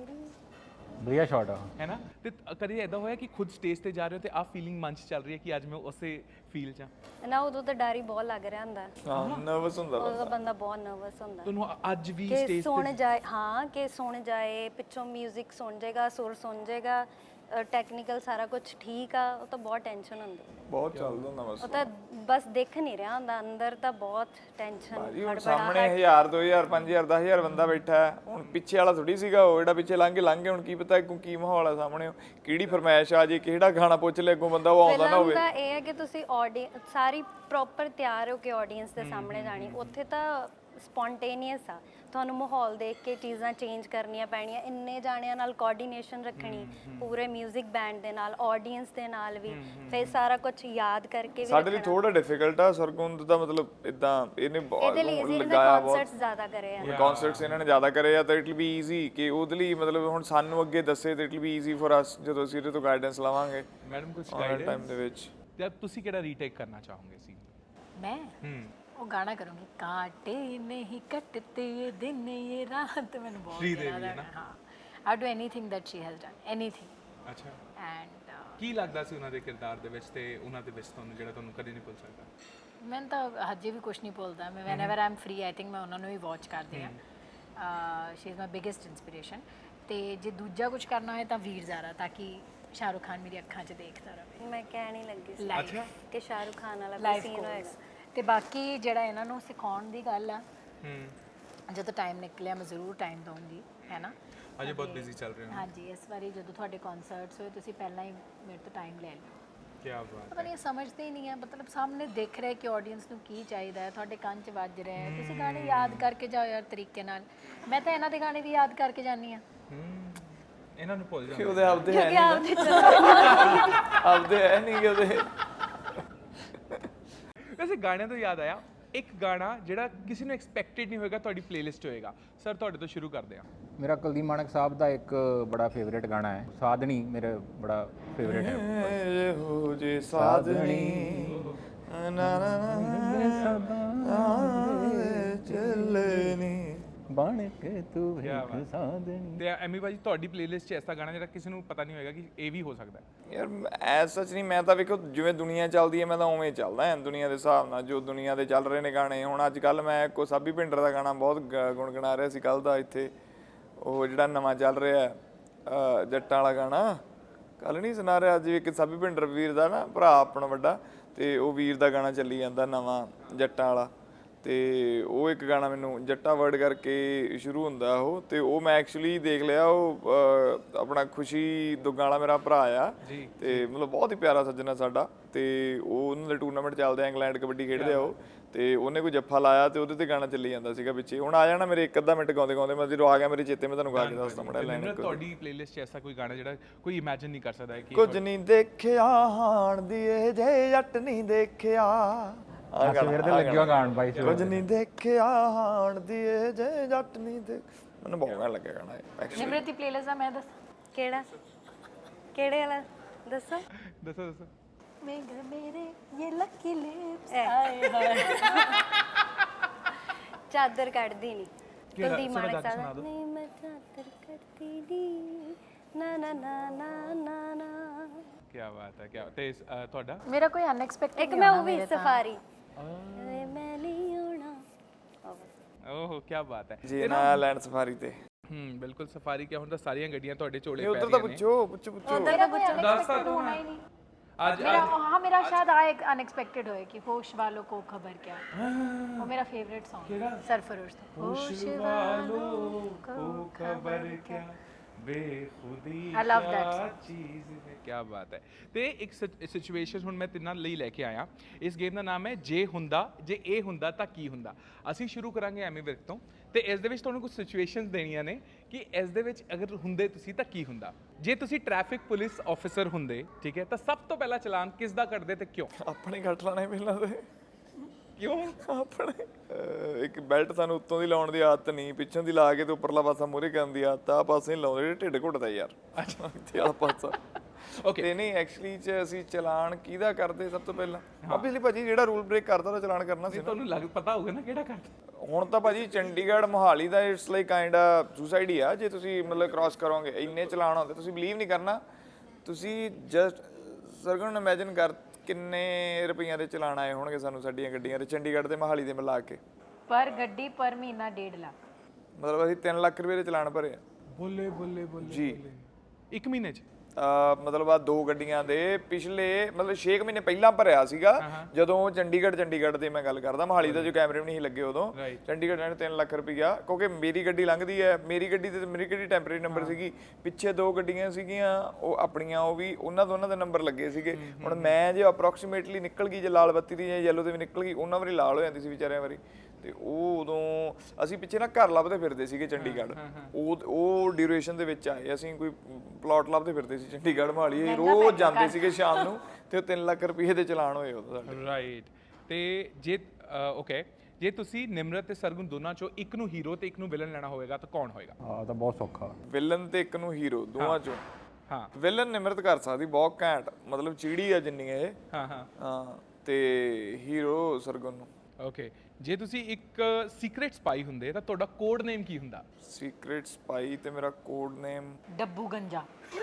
[SPEAKER 4] ਵਧੀਆ ਸ਼ਾਟ ਆ
[SPEAKER 1] ਹੈ ਨਾ ਤੇ ਕਦੀ ਐਦਾਂ ਹੋਇਆ ਕਿ ਖੁਦ ਸਟੇਜ ਤੇ ਜਾ ਰਹੇ ਹੋ ਤੇ ਆ ਫੀਲਿੰਗ ਮਨ 'ਚ ਚੱਲ ਰਹੀ ਹੈ ਕਿ ਅੱਜ ਮੈਂ ਉਸੇ ਫੀਲ 'ਚ ਹਾਂ
[SPEAKER 5] ਨਾ ਉਦੋਂ ਤਾਂ ਡਰ ਹੀ ਬਹੁਤ ਲੱਗ ਰਿਹਾ ਹੁੰਦਾ
[SPEAKER 2] ਹਾਂ ਨਰਵਸ ਹੁੰਦਾ
[SPEAKER 5] ਉਦੋਂ ਬੰਦਾ ਬਹੁਤ ਨਰਵਸ ਹੁੰਦਾ
[SPEAKER 1] ਤੁਹਾਨੂੰ ਅੱਜ ਵੀ
[SPEAKER 5] ਕਿ
[SPEAKER 1] ਸਟੇਜ
[SPEAKER 5] ਸੁਣ ਜਾਏ ਹਾਂ ਕਿ ਸੁਣ ਜਾਏ ਪਿੱਛੋਂ 뮤직 ਸੁਣ ਜਾਏਗਾ ਸੁਰ ਸੁਣ ਜਾਏਗਾ ਟੈਕਨੀਕਲ ਸਾਰਾ ਕੁਝ ਠੀਕ ਆ ਉਹ ਤਾਂ ਬਹੁਤ ਟੈਨਸ਼ਨ ਹੁੰਦੀ
[SPEAKER 2] ਬਹੁਤ ਚੱਲਦਾ ਹੁੰਦਾ ਬਸ
[SPEAKER 5] ਉਹ ਤਾਂ ਬਸ ਦੇਖ ਨਹੀਂ ਰਿਹਾ ਹੁੰਦਾ ਅੰਦਰ ਤਾਂ ਬਹੁਤ ਟੈਨਸ਼ਨ
[SPEAKER 2] ਜੀ ਹੁਣ ਸਾਹਮਣੇ ਹਜ਼ਾਰ ਦੋ ਹਜ਼ਾਰ ਪੰਜ ਹਜ਼ਾਰ ਦਸ ਹਜ਼ਾਰ ਬੰਦਾ ਬੈਠਾ ਹੈ ਹੁਣ ਪਿੱਛੇ ਵਾਲਾ ਥੋੜੀ ਸੀਗਾ ਉਹ ਜਿਹੜਾ ਪਿੱਛੇ ਲੰਘ ਕੇ ਲੰਘ ਗਿਆ ਹੁਣ ਕੀ ਪਤਾ ਕਿ ਕੀ ਮਾਹੌਲ ਆ ਸਾਹਮਣੇ ਕਿਹੜੀ ਫਰਮਾਇਸ਼ ਆ ਜੇ ਕਿਹੜਾ ਗਾਣਾ ਪੁੱਛ ਲੈ ਅੱਗੋਂ ਬੰਦਾ ਉਹ ਆਉਂਦਾ ਨਾ ਹੋਵੇ
[SPEAKER 5] ਤਾਂ ਇਹ ਹੈ ਕਿ ਤੁਸੀਂ ਆਡੀਅנס ਸਾਰੀ ਪ੍ਰੋਪਰ ਤਿਆਰ ਹੋ ਕੇ ਆਡੀਅנס ਦੇ ਸਾਹਮਣੇ ਜਾਣੀ ਉੱਥੇ ਤਾਂ ਸਪੌਂਟੇਨੀਅਸ ਆ ਤੁਹਾਨੂੰ ਮਾਹੌਲ ਦੇਖ ਕੇ ਚੀਜ਼ਾਂ ਚੇਂਜ ਕਰਨੀਆਂ ਪੈਣੀਆਂ ਇੰਨੇ ਜਾਣਿਆਂ ਨਾਲ ਕੋਆਰਡੀਨੇਸ਼ਨ ਰੱਖਣੀ ਪੂਰੇ 뮤직 ਬੈਂਡ ਦੇ ਨਾਲ ਆਡੀਅנס ਦੇ ਨਾਲ ਵੀ ਫਿਰ ਸਾਰਾ ਕੁਝ ਯਾਦ ਕਰਕੇ ਵੀ
[SPEAKER 2] ਸਾਡੇ ਲਈ ਥੋੜਾ ਡਿਫਿਕਲਟ ਆ ਸਰਗੁਣ ਦਾ ਮਤਲਬ ਇਦਾਂ ਇਹਨੇ
[SPEAKER 5] ਇਹਦੇ ਲਈ
[SPEAKER 2] ਬਹੁਤ
[SPEAKER 5] ਇਹਨੇ
[SPEAKER 2] ਲਗਾਇਆ
[SPEAKER 5] ਕਨਸਰਟਸ ਜ਼ਿਆਦਾ ਕਰੇ ਆ
[SPEAKER 2] ਕਨਸਰਟਸ ਇਹਨਾਂ ਨੇ ਜ਼ਿਆਦਾ ਕਰੇ ਆ ਤਾਂ ਇਟ ਵਿਲ ਬੀ ਈਜ਼ੀ ਕਿ ਉਹਦੇ ਲਈ ਮਤਲਬ ਹੁਣ ਸਾਨੂੰ ਅੱਗੇ ਦੱਸੇ ਤਾਂ it will be easy for us ਜਦੋਂ ਅਸੀਂ ਇਹਦੇ ਤੋਂ ਗਾਈਡੈਂਸ ਲਵਾਂਗੇ
[SPEAKER 1] ਮੈਡਮ ਕੁਝ
[SPEAKER 2] ਗਾਈਡੈਂਸ ਟਾਈਮ ਦੇ ਵਿੱਚ
[SPEAKER 1] ਤੇ ਤੁਸੀਂ ਕਿਹੜਾ ਰੀਟੇਕ ਕਰਨਾ ਚਾਹੋਗੇ ਸੀ
[SPEAKER 3] मैं
[SPEAKER 1] ਹੂੰ
[SPEAKER 3] ਉਹ ਗਾਣਾ ਕਰੂੰਗੀ ਕਾਟੇ ਨਹੀਂ ਕੱਟਤੇ ਇਹ ਦਿਨ ਇਹ ਰਾਤ ਮੈਨੂੰ ਬਹੁਤ
[SPEAKER 1] श्रीदेवी
[SPEAKER 3] ਪਿਆਰਾ
[SPEAKER 1] है ना?
[SPEAKER 3] ਹਾਂ I do anything that she has done anything
[SPEAKER 1] ਅੱਛਾ
[SPEAKER 3] ਐਂਡ
[SPEAKER 1] ਕੀ ਲੱਗਦਾ ਸੀ ਉਹਨਾਂ ਦੇ ਕਿਰਦਾਰ ਦੇ ਵਿੱਚ ਤੇ ਉਹਨਾਂ ਦੇ ਵਿੱਚ ਤੁਹਾਨੂੰ ਜਿਹੜਾ ਤੁਹਾਨੂੰ ਕਦੇ ਨਹੀਂ ਭੁੱਲ ਸਕਦਾ
[SPEAKER 3] ਮੈਂ ਤਾਂ ਹਜੇ ਵੀ ਕੁਝ ਨਹੀਂ ਬੋਲਦਾ ਮੈਂ whenever I am free I think ਮੈਂ ਉਹਨਾਂ ਨੂੰ ਵੀ ਵਾਚ ਕਰਦੀ ਆ she is my biggest inspiration ਤੇ ਜੇ ਦੂਜਾ ਕੁਝ ਕਰਨਾ ਹੋਏ ਤਾਂ ਵੀਰ ਜ਼ਾਰਾ ਤਾਂ ਕਿ ਸ਼ਾਹਰੁਖ ਖਾਨ ਮੇਰੀ ਅੱਖਾਂ 'ਚ ਦੇਖਦਾ ਰਹੇ
[SPEAKER 5] ਮੈਂ ਕਹਿਣ ਹੀ ਲੱਗੀ ਸੀ
[SPEAKER 3] ਲਾਈਫ
[SPEAKER 5] ਕਿ ਸ਼ਾਹਰੁਖ ਖਾਨ ਵਾਲਾ ਕੋਈ
[SPEAKER 3] ਲਾਈਫ
[SPEAKER 5] ਸੀਨ ਹੋਏਗਾ
[SPEAKER 3] ਤੇ ਬਾਕੀ ਜਿਹੜਾ ਇਹਨਾਂ ਨੂੰ ਸਿਖਾਉਣ ਦੀ ਗੱਲ ਆ
[SPEAKER 1] ਹੂੰ
[SPEAKER 3] ਜਦੋਂ ਟਾਈਮ ਨਿਕਲਿਆ ਮੈਂ ਜ਼ਰੂਰ ਟਾਈਮ ਦਊਂਗੀ ਹੈ ਨਾ
[SPEAKER 1] ਅਜੇ ਬਹੁਤ ਬਿਜ਼ੀ ਚੱਲ ਰਹੇ ਹੋ
[SPEAKER 3] ਹਾਂਜੀ ਇਸ ਵਾਰੀ ਜਦੋਂ ਤੁਹਾਡੇ ਕਨਸਰਟਸ ਹੋਏ ਤੁਸੀਂ ਪਹਿਲਾਂ ਹੀ ਮੇਰੇ ਤੋਂ ਟਾਈਮ ਲੈ ਲਿਓ
[SPEAKER 1] ਕੀ ਬਾਤ
[SPEAKER 3] ਪਤਾ ਨਹੀਂ ਸਮਝਦੇ ਹੀ ਨਹੀਂ ਹੈ ਮਤਲਬ ਸਾਹਮਣੇ ਦਿਖ ਰਿਹਾ ਕਿ ਆਡੀਅנס ਨੂੰ ਕੀ ਚਾਹੀਦਾ ਹੈ ਤੁਹਾਡੇ ਕੰਨ 'ਚ ਵੱਜ ਰਿਹਾ ਹੈ ਤੁਸੀਂ ਗਾਣੇ ਯਾਦ ਕਰਕੇ ਜਾਓ ਯਾਰ ਤਰੀਕੇ ਨਾਲ ਮੈਂ ਤਾਂ ਇਹਨਾਂ ਦੇ ਗਾਣੇ ਵੀ ਯਾਦ ਕਰਕੇ ਜਾਂਦੀ ਆ
[SPEAKER 1] ਹੂੰ ਇਹਨਾਂ ਨੂੰ ਭੁੱਲ
[SPEAKER 2] ਕਿ
[SPEAKER 1] ਜਾਂਦੇ
[SPEAKER 2] ਉਹਦੇ ਆਪਦੇ ਹੈ
[SPEAKER 5] ਕਿ ਆਪਦੇ
[SPEAKER 2] ਆਪਦੇ ਹੈ ਨਹੀਂ ਕਿ ਉਹਦੇ
[SPEAKER 1] ਵੈਸੇ ਗਾਣਿਆਂ ਤੋਂ ਯਾਦ ਆਇਆ ਇੱਕ ਗਾਣਾ ਜਿਹੜਾ ਕਿਸੇ ਨੂੰ ਐਕਸਪੈਕਟਡ ਨਹੀਂ ਹੋਏਗਾ ਤੁਹਾਡੀ ਪਲੇਲਿਸਟ ਹੋਏਗਾ ਸਰ ਤੁਹਾਡੇ ਤੋਂ ਸ਼ੁਰੂ ਕਰਦੇ ਹਾਂ
[SPEAKER 4] ਮੇਰਾ ਕੁਲਦੀਪ ਮਾਣਕ ਸਾਹਿਬ ਦਾ ਇੱਕ ਬੜਾ ਫੇਵਰੇਟ ਗਾਣਾ ਹੈ ਸਾਧਣੀ ਮੇਰਾ ਬੜਾ ਫੇਵਰੇਟ ਹੈ
[SPEAKER 2] ਹੋ ਜੇ ਸਾਧਣੀ ਨਾ ਨਾ ਨਾ ਚੱਲਣੀ
[SPEAKER 4] ਬਣ ਕੇ ਤੂੰ ਵੇਖ ਸਾਧਣੀ
[SPEAKER 1] ਤੇ ਐਮੀ ਬਾਜੀ ਤੁਹਾਡੀ ਪਲੇਲਿਸਟ 'ਚ ਐਸਾ ਗਾਣਾ ਜਿਹੜਾ ਕਿਸੇ ਨੂੰ ਪਤਾ ਨਹੀਂ ਹੋਏਗਾ ਕਿ ਇਹ ਵੀ ਹੋ ਸਕਦਾ ਹੈ
[SPEAKER 2] ਯਾਰ ਐਸ ਸੱਚ ਨਹੀਂ ਮੈਂ ਤਾਂ ਵੇਖੋ ਜਿਵੇਂ ਦੁਨੀਆ ਚੱਲਦੀ ਹੈ ਮੈਂ ਤਾਂ ਉਵੇਂ ਚੱਲਦਾ ਹਾਂ ਦੁਨੀਆ ਦੇ ਹਿਸਾਬ ਨਾਲ ਜੋ ਦੁਨੀਆ ਦੇ ਚੱਲ ਰਹੇ ਨੇ ਗਾਣੇ ਹੁਣ ਅੱਜ ਕੱਲ ਮੈਂ ਕੋ ਸਾਬੀ ਭਿੰਡਰ ਦਾ ਗਾਣਾ ਬਹੁਤ ਗੁਣਗੁਣਾ ਰਿਹਾ ਸੀ ਕੱਲ ਦਾ ਇੱਥੇ ਉਹ ਜਿਹੜਾ ਨਵਾਂ ਚੱਲ ਰਿਹਾ ਜੱਟਾਂ ਵਾਲਾ ਗਾਣਾ ਕੱਲ ਨਹੀਂ ਸੁਣਾ ਰਿਹਾ ਅੱਜ ਇੱਕ ਸਾਬੀ ਭਿੰਡਰ ਵੀਰ ਦਾ ਨਾ ਭਰਾ ਆਪਣਾ ਵੱਡਾ ਤੇ ਉਹ ਵੀਰ ਦਾ ਗਾਣਾ ਚੱਲੀ ਜਾਂਦਾ ਨਵਾਂ ਜੱਟਾਂ ਵਾਲਾ ਤੇ ਉਹ ਇੱਕ ਗਾਣਾ ਮੈਨੂੰ ਜੱਟਾ ਵਰਡ ਕਰਕੇ ਸ਼ੁਰੂ ਹੁੰਦਾ ਉਹ, ਤੇ ਉਹ ਮੈਂ ਐਕਚੁਅਲੀ ਦੇਖ ਲਿਆ। ਉਹ ਅਹ, ਆਪਣਾ ਖੁਸ਼ੀ ਦੁੱਗਾ ਵਾਲਾ ਮੇਰਾ ਭਰਾ ਆ, ਤੇ ਮਤਲਬ ਬਹੁਤ ਹੀ ਪਿਆਰਾ ਸੱਜਣਾ ਸਾਡਾ, ਤੇ ਉਹ ਉਹਨਾਂ ਦੇ ਟੂਰਨਾਮੈਂਟ ਚੱਲਦੇ ਆ, ਇੰਗਲੈਂਡ ਕਬੱਡੀ ਖੇਡਦੇ ਆ ਉਹ, ਤੇ ਉਹਨੇ ਕੋਈ ਜੱਫਾ ਲਾਇਆ ਤੇ ਉਹਦੇ ਤੇ ਗਾਣਾ ਚੱਲੀ ਜਾਂਦਾ ਸੀਗਾ ਪਿੱਛੇ। ਹੁਣ ਆ ਜਾਣਾ ਮੇਰੇ ਇੱਕ ਅੱਧਾ ਮਿੰਟ ਗਾਉਂਦੇ ਗਾਉਂਦੇ, ਮੈਂ ਜਦੋਂ ਆ ਗਿਆ ਮੇਰੇ ਚੇਤੇ ਮੈਂ ਤੁਹਾਨੂੰ ਗਾ ਕੇ ਦੱਸਦਾ ਮੜਾ ਲਾਈਨ।
[SPEAKER 1] ਤੁਹਾਡੀ ਪਲੇਲਿਸਟ 'ਚ ਐਸਾ ਕੋਈ ਗਾਣਾ ਜਿਹੜਾ ਕੋਈ ਇਮੇਜਿਨ ਨਹੀਂ ਕਰ ਸਕਦਾ ਕਿ
[SPEAKER 2] ਕੁਝ ਨਹੀਂ ਦੇਖਿਆ ਹਾਣ ਦੀ ਇਹ ਜੇ ਜੱਟ ਨਹੀਂ ਦੇਖਿਆ, ਆ
[SPEAKER 4] ਸਵੇਰ ਦੇ ਲੱਗਿਆ ਗਾਣ ਬਾਈ।
[SPEAKER 2] ਕੁਝ ਨਹੀਂ ਦੇਖਿਆ ਹਾਣ ਦੀ ਇਹ ਜੇ ਜੱਟ ਨਹੀਂ ਦੇਖ, ਮੈਨੂੰ ਬਹੁਤ ਗਾਣਾ ਲੱਗਿਆ ਗਾਣਾ ਐਕਚੁਅਲੀ।
[SPEAKER 3] ਨਿਮਰਤ ਦੀ ਪਲੇਲਿਸਟ ਦਾ ਮੈਂ ਦੱਸ
[SPEAKER 5] ਕਿਹੜਾ ਕਿਹੜੇ ਵਾਲਾ ਦੱਸੋ
[SPEAKER 1] ਦੱਸੋ ਦੱਸੋ।
[SPEAKER 3] ਮੇਗਰ ਮੇਰੇ ਇਹ ਲੱਕੀ ਲਿਪਸ
[SPEAKER 5] ਐ।
[SPEAKER 3] ਆਏ ਹਾਏ
[SPEAKER 5] ਚਾਦਰ ਕੱਢਦੀ ਨਹੀਂ
[SPEAKER 1] ਕਿਹੜਾ?
[SPEAKER 5] ਕੁਲਦੀਪ
[SPEAKER 1] ਸਾਡਾ
[SPEAKER 5] ਮਾਨਕ
[SPEAKER 1] ਗਾਣਾ
[SPEAKER 5] ਸਾਹਿਬ
[SPEAKER 1] ਸੁਣਾ
[SPEAKER 5] ਦਾ।
[SPEAKER 1] ਦਿਓ।
[SPEAKER 5] ਨਹੀਂ ਮੈਂ ਚਾਦਰ ਕੱਢਦੀ ਨਹੀਂ ਨਾ ਨਾ ਨਾ ਨਾ ਨਾ ਨਾ।
[SPEAKER 1] ਕੀ ਬਾਤ ਹੈ, ਕੀ ਤੇ ਅਹ, ਤੁਹਾਡਾ
[SPEAKER 3] ਮੇਰਾ ਕੋਈ ਅਨਐਕਸਪੈਕਟਡ
[SPEAKER 5] ਇੱਕ ਮੈਂ ਉਹ ਵੀ ਸਫਾਰੀ ਵੇ ਮੈਂ ਨਹੀਂ ਆਉਣਾ ਉਹ ਬਸ।
[SPEAKER 1] ਓਹ ਕੀ ਬਾਤ ਹੈ।
[SPEAKER 2] ਜੀ ਨਾ ਲੈਂਡ ਸਫਾਰੀ ਤੇ
[SPEAKER 1] ਹੂੰ ਬਿਲਕੁਲ ਸਫਾਰੀ ਕਿਆ ਹੁਣ ਤਾਂ ਸਾਰੀਆਂ ਗੱਡੀਆਂ ਤੁਹਾਡੇ ਝੋਲੇ
[SPEAKER 2] ਇਹ
[SPEAKER 1] ਪੈ
[SPEAKER 2] ਉਧਰ ਤਾਂ
[SPEAKER 1] ਰਹੀਆਂ ਨੇ।
[SPEAKER 2] ਪੁੱਛੋ ਪੁੱਛੋ ਪੁੱਛੋ
[SPEAKER 3] ਮੇਰਾ ਕੋਈ
[SPEAKER 1] ਦੱਸਤਾ
[SPEAKER 3] ਅਨਐਕਸਪੈਕਟਡ
[SPEAKER 1] ਤੂੰ
[SPEAKER 3] ਹੋਣਾ ਹੀ ਨਹੀਂ।
[SPEAKER 1] ਅੱਜ
[SPEAKER 3] मेरा हाँ मेरा शायद आए अनएक्सपेक्टेड होए कि होश वालों को खबर क्या, वो मेरा फेवरेट सॉन्ग है सरफरोश था।
[SPEAKER 1] होश वालों को खबर क्या बेखुदी
[SPEAKER 3] I love that
[SPEAKER 1] क्या
[SPEAKER 3] song.
[SPEAKER 1] ਚੀਜ਼ ਹੈ। ਕੀ ਬਾਤ ਹੈ। ਤੇ ਇੱਕ ਸਿਚੁਏਸ਼ਨ ਹੁਣ ਮੈਂ ਤਿੰਨਾਂ ਲਈ ਲੈ ਕੇ ਆਇਆ। ਇਸ ਗੇਮ ਦਾ ਨਾਮ ਹੈ ਜੇ ਹੁੰਦਾ, ਜੇ ਇਹ ਹੁੰਦਾ ਤਾਂ ਕੀ ਹੁੰਦਾ। ਅਸੀਂ ਸ਼ੁਰੂ ਕਰਾਂਗੇ ਐਮੀ ਵਿਰਕ ਤੋਂ, ਤੇ ਇਸ ਦੇ ਵਿੱਚ ਤੁਹਾਨੂੰ ਕੁਝ ਸਿਚੁਏਸ਼ਨਸ ਦੇਣੀਆਂ ਨੇ ਕਿ ਇਸ ਦੇ ਵਿੱਚ ਅਗਰ ਹੁੰਦੇ ਤੁਸੀਂ ਤਾਂ ਕੀ ਹੁੰਦਾ। ਜੇ ਤੁਸੀਂ ਟ੍ਰੈਫਿਕ ਪੁਲਿਸ ਆਫੀਸਰ ਹੁੰਦੇ, ਠੀਕ ਹੈ, ਤਾਂ ਸਭ ਤੋਂ ਪਹਿਲਾਂ ਚਲਾਨ ਕਿਸ ਦਾ ਕੱਟਦੇ ਤੇ ਕਿਉਂ?
[SPEAKER 2] ਆਪਣੇ ਕੱਟ ਲਾਣੇ ਪਹਿਲਾਂ ਤੇ
[SPEAKER 1] ਕਿਉਂ?
[SPEAKER 2] ਆਪਣੇ ਅਹ ਇੱਕ ਬੈਲਟ ਸਾਨੂੰ ਉੱਤੋਂ ਦੀ ਲਾਉਣ ਦੀ ਆਦਤ ਨਹੀਂ, ਪਿੱਛੋਂ ਦੀ ਲਾ ਕੇ ਤੇ ਉੱਪਰਲਾ ਪਾਸਾ ਮੂਹਰੇ ਕਰਨ ਦੀ ਆਦਤ ਆ। ਪਾਸੇ ਨਹੀਂ ਲਾਉਂਦੇ ਜਿਹੜੇ ਢਿੱਡ ਘੁੱਟਦਾ ਯਾਰ। ਅੱਛਾ ਇੱਥੇ ਵਾਲਾ ਪਾਸਾ।
[SPEAKER 1] ਓਕੇ
[SPEAKER 2] ਤੇ ਨਹੀਂ ਐਕਚੁਅਲੀ ਚ ਅਸੀਂ ਚਲਾਨ ਕਿਹਦਾ ਕਰਦੇ ਸਭ ਤੋਂ ਪਹਿਲਾਂ? ਆਬਵੀਅਸਲੀ ਭਾਜੀ ਜਿਹੜਾ ਰੂਲ ਬ੍ਰੇਕ ਕਰਦਾ ਉਹਦਾ ਚਲਾਨ ਕਰਨਾ ਸੀ ਨਾ।
[SPEAKER 1] ਤੁਹਾਨੂੰ ਲੱਗ ਪਤਾ ਹੋਊਗਾ ਨਾ ਕਿਹੜਾ ਕਰਦਾ।
[SPEAKER 2] ਹੁਣ ਤਾਂ ਭਾਜੀ ਚੰਡੀਗੜ੍ਹ ਮੋਹਾਲੀ ਦਾ it's like kind of suicide ਹੀ ਆ। ਜੇ ਤੁਸੀਂ ਮਤਲਬ ਕ੍ਰਾਸ ਕਰੋਗੇ ਇੰਨੇ ਚਲਾਨ ਹੁੰਦੇ, ਤੁਸੀਂ ਬਲੀਵ ਨਹੀਂ ਕਰਨਾ। ਤੁਸੀਂ ਜਸਟ ਸਰਗੁਣ ਨੂੰ ਇਮੇਜਿਨ ਕਰ ਕਿੰਨੇ ਰੁਪਈਆਂ ਦੇ ਚਲਾਨ ਆਏ ਹੋਣਗੇ ਸਾਨੂੰ ਸਾਡੀਆਂ ਗੱਡੀਆਂ ਦੇ, ਚੰਡੀਗੜ੍ਹ ਤੇ ਮੋਹਾਲੀ ਦੇ ਮਿਲਾ ਕੇ।
[SPEAKER 3] पर गड्डी पर महीना डेढ़ लाख।
[SPEAKER 2] ਮਤਲਬ ਅਸੀਂ ਤਿੰਨ ਲੱਖ ਰੁਪਏ ਦੇ ਚਲਾਨ ਭਰੇ ਆ
[SPEAKER 1] ਬੋਲੇ ਬੋਲੇ ਬੋਲੇ
[SPEAKER 2] ਜੀ।
[SPEAKER 1] ਇੱਕ ਮਹੀਨੇ 'ਚ
[SPEAKER 2] ਅਹ ਮਤਲਬ ਆ ਦੋ ਗੱਡੀਆਂ ਦੇ ਪਿਛਲੇ ਮਤਲਬ ਛੇ ਕੁ ਮਹੀਨੇ ਪਹਿਲਾਂ ਭਰਿਆ ਸੀਗਾ, ਜਦੋਂ ਚੰਡੀਗੜ੍ਹ ਚੰਡੀਗੜ੍ਹ ਦੀ ਮੈਂ ਗੱਲ ਕਰਦਾ, ਮੋਹਾਲੀ ਦਾ ਜੋ ਕੈਮਰੇ ਵੀ ਨਹੀਂ ਸੀ ਲੱਗੇ ਉਦੋਂ। ਚੰਡੀਗੜ੍ਹ ਨੇ ਤਿੰਨ ਲੱਖ ਰੁਪਈਆ, ਕਿਉਂਕਿ ਮੇਰੀ ਗੱਡੀ ਲੰਘਦੀ ਹੈ, ਮੇਰੀ ਗੱਡੀ ਤੇ ਮੇਰੀ ਗੱਡੀ ਟੈਂਪਰੇਰੀ ਨੰਬਰ ਸੀਗੀ, ਪਿੱਛੇ ਦੋ ਗੱਡੀਆਂ ਸੀਗੀਆਂ ਉਹ ਆਪਣੀਆਂ, ਉਹ ਵੀ ਉਹਨਾਂ ਦੋਨਾਂ ਦੇ ਨੰਬਰ ਲੱਗੇ ਸੀਗੇ। ਹੁਣ ਮੈਂ ਜੇ ਅਪਰੋਕਸੀਮੇਟਲੀ ਨਿਕਲ ਗਈ, ਜੇ ਲਾਲ ਬੱਤੀ ਦੀ ਜਾਂ ਯੈਲੋ ਤੇ ਵੀ ਨਿਕਲ ਗਈ, ਉਹਨਾਂ ਵਾਰੀ ਲਾਲ ਹੋ ਜਾਂਦੀ ਸੀ ਵਿਚਾਰਿਆਂ ਵਾਰੀ। ਤੇ ਉਹ ਉਦੋਂ ਅਸੀਂ ਪਿੱਛੇ ਨਾ ਘਰ ਲੱਭਦੇ ਫਿਰਦੇ ਸੀਗੇ ਚੰਡੀਗੜ੍ਹ, ਉਹ ਉਹ ਡਿਊਰੇਸ਼ਨ ਦੇ ਵਿੱਚ ਆਏ ਅਸੀਂ, ਕੋਈ ਪਲਾਟ ਲੱਭਦੇ ਫਿਰਦੇ ਸੀ ਚੰਡੀਗੜ੍ਹ ਮੋਹਾਲੀ, ਅਸੀਂ ਰੋਜ਼ ਜਾਂਦੇ ਸੀਗੇ ਸ਼ਾਮ ਨੂੰ, ਤੇ ਉਹ ਤਿੰਨ ਲੱਖ ਰੁਪਏ ਦੇ ਚਲਾਨ ਹੋਏ ਉਦੋਂ ਸਾਡੇ।
[SPEAKER 1] ਰਾਈਟ। ਤੇ ਜੇ ਓਕੇ ਜੇ ਤੁਸੀਂ ਨਿਮਰਤ ਤੇ ਸਰਗੁਣ ਦੋਨਾਂ ਚੋਂ ਇੱਕ ਨੂੰ ਹੀਰੋ ਤੇ ਇੱਕ ਨੂੰ ਵਿਲਨ ਲੈਣਾ ਹੋਵੇਗਾ ਤਾਂ ਕੌਣ ਹੋਏਗਾ?
[SPEAKER 4] ਆ ਤਾਂ ਬਹੁਤ ਸੌਖਾ।
[SPEAKER 2] ਵਿਲਨ ਤੇ ਇੱਕ ਨੂੰ ਹੀਰੋ, ਦੋਵਾਂ ਚੋਂ
[SPEAKER 1] ਹਾਂ
[SPEAKER 2] ਵਿਲਨ ਨਿਮਰਤ ਕਰ ਸਕਦੀ, ਬਹੁਤ ਘੈਂਟ, ਮਤਲਬ ਚੀੜੀ ਆ ਜਿੰਨੀ ਇਹ।
[SPEAKER 1] ਹਾਂ ਹਾਂ
[SPEAKER 2] ਹਾਂ ਤੇ ਹੀਰੋ ਸਰਗੁਣ ਨੂੰ।
[SPEAKER 1] ਓਕੇ ਜੇ ਤੁਸੀਂ ਇੱਕ ਸੀਕ੍ਰੀਟ ਸਪਾਈ ਹੁੰਦੇ ਤਾਂ ਤੁਹਾਡਾ ਕੋਡ ਨੇਮ ਕੀ ਹੁੰਦਾ?
[SPEAKER 2] ਸੀਕ੍ਰੀਟ ਸਪਾਈ ਤੇ ਮੇਰਾ ਕੋਡ ਨੇਮ
[SPEAKER 3] डब्बू गंजा।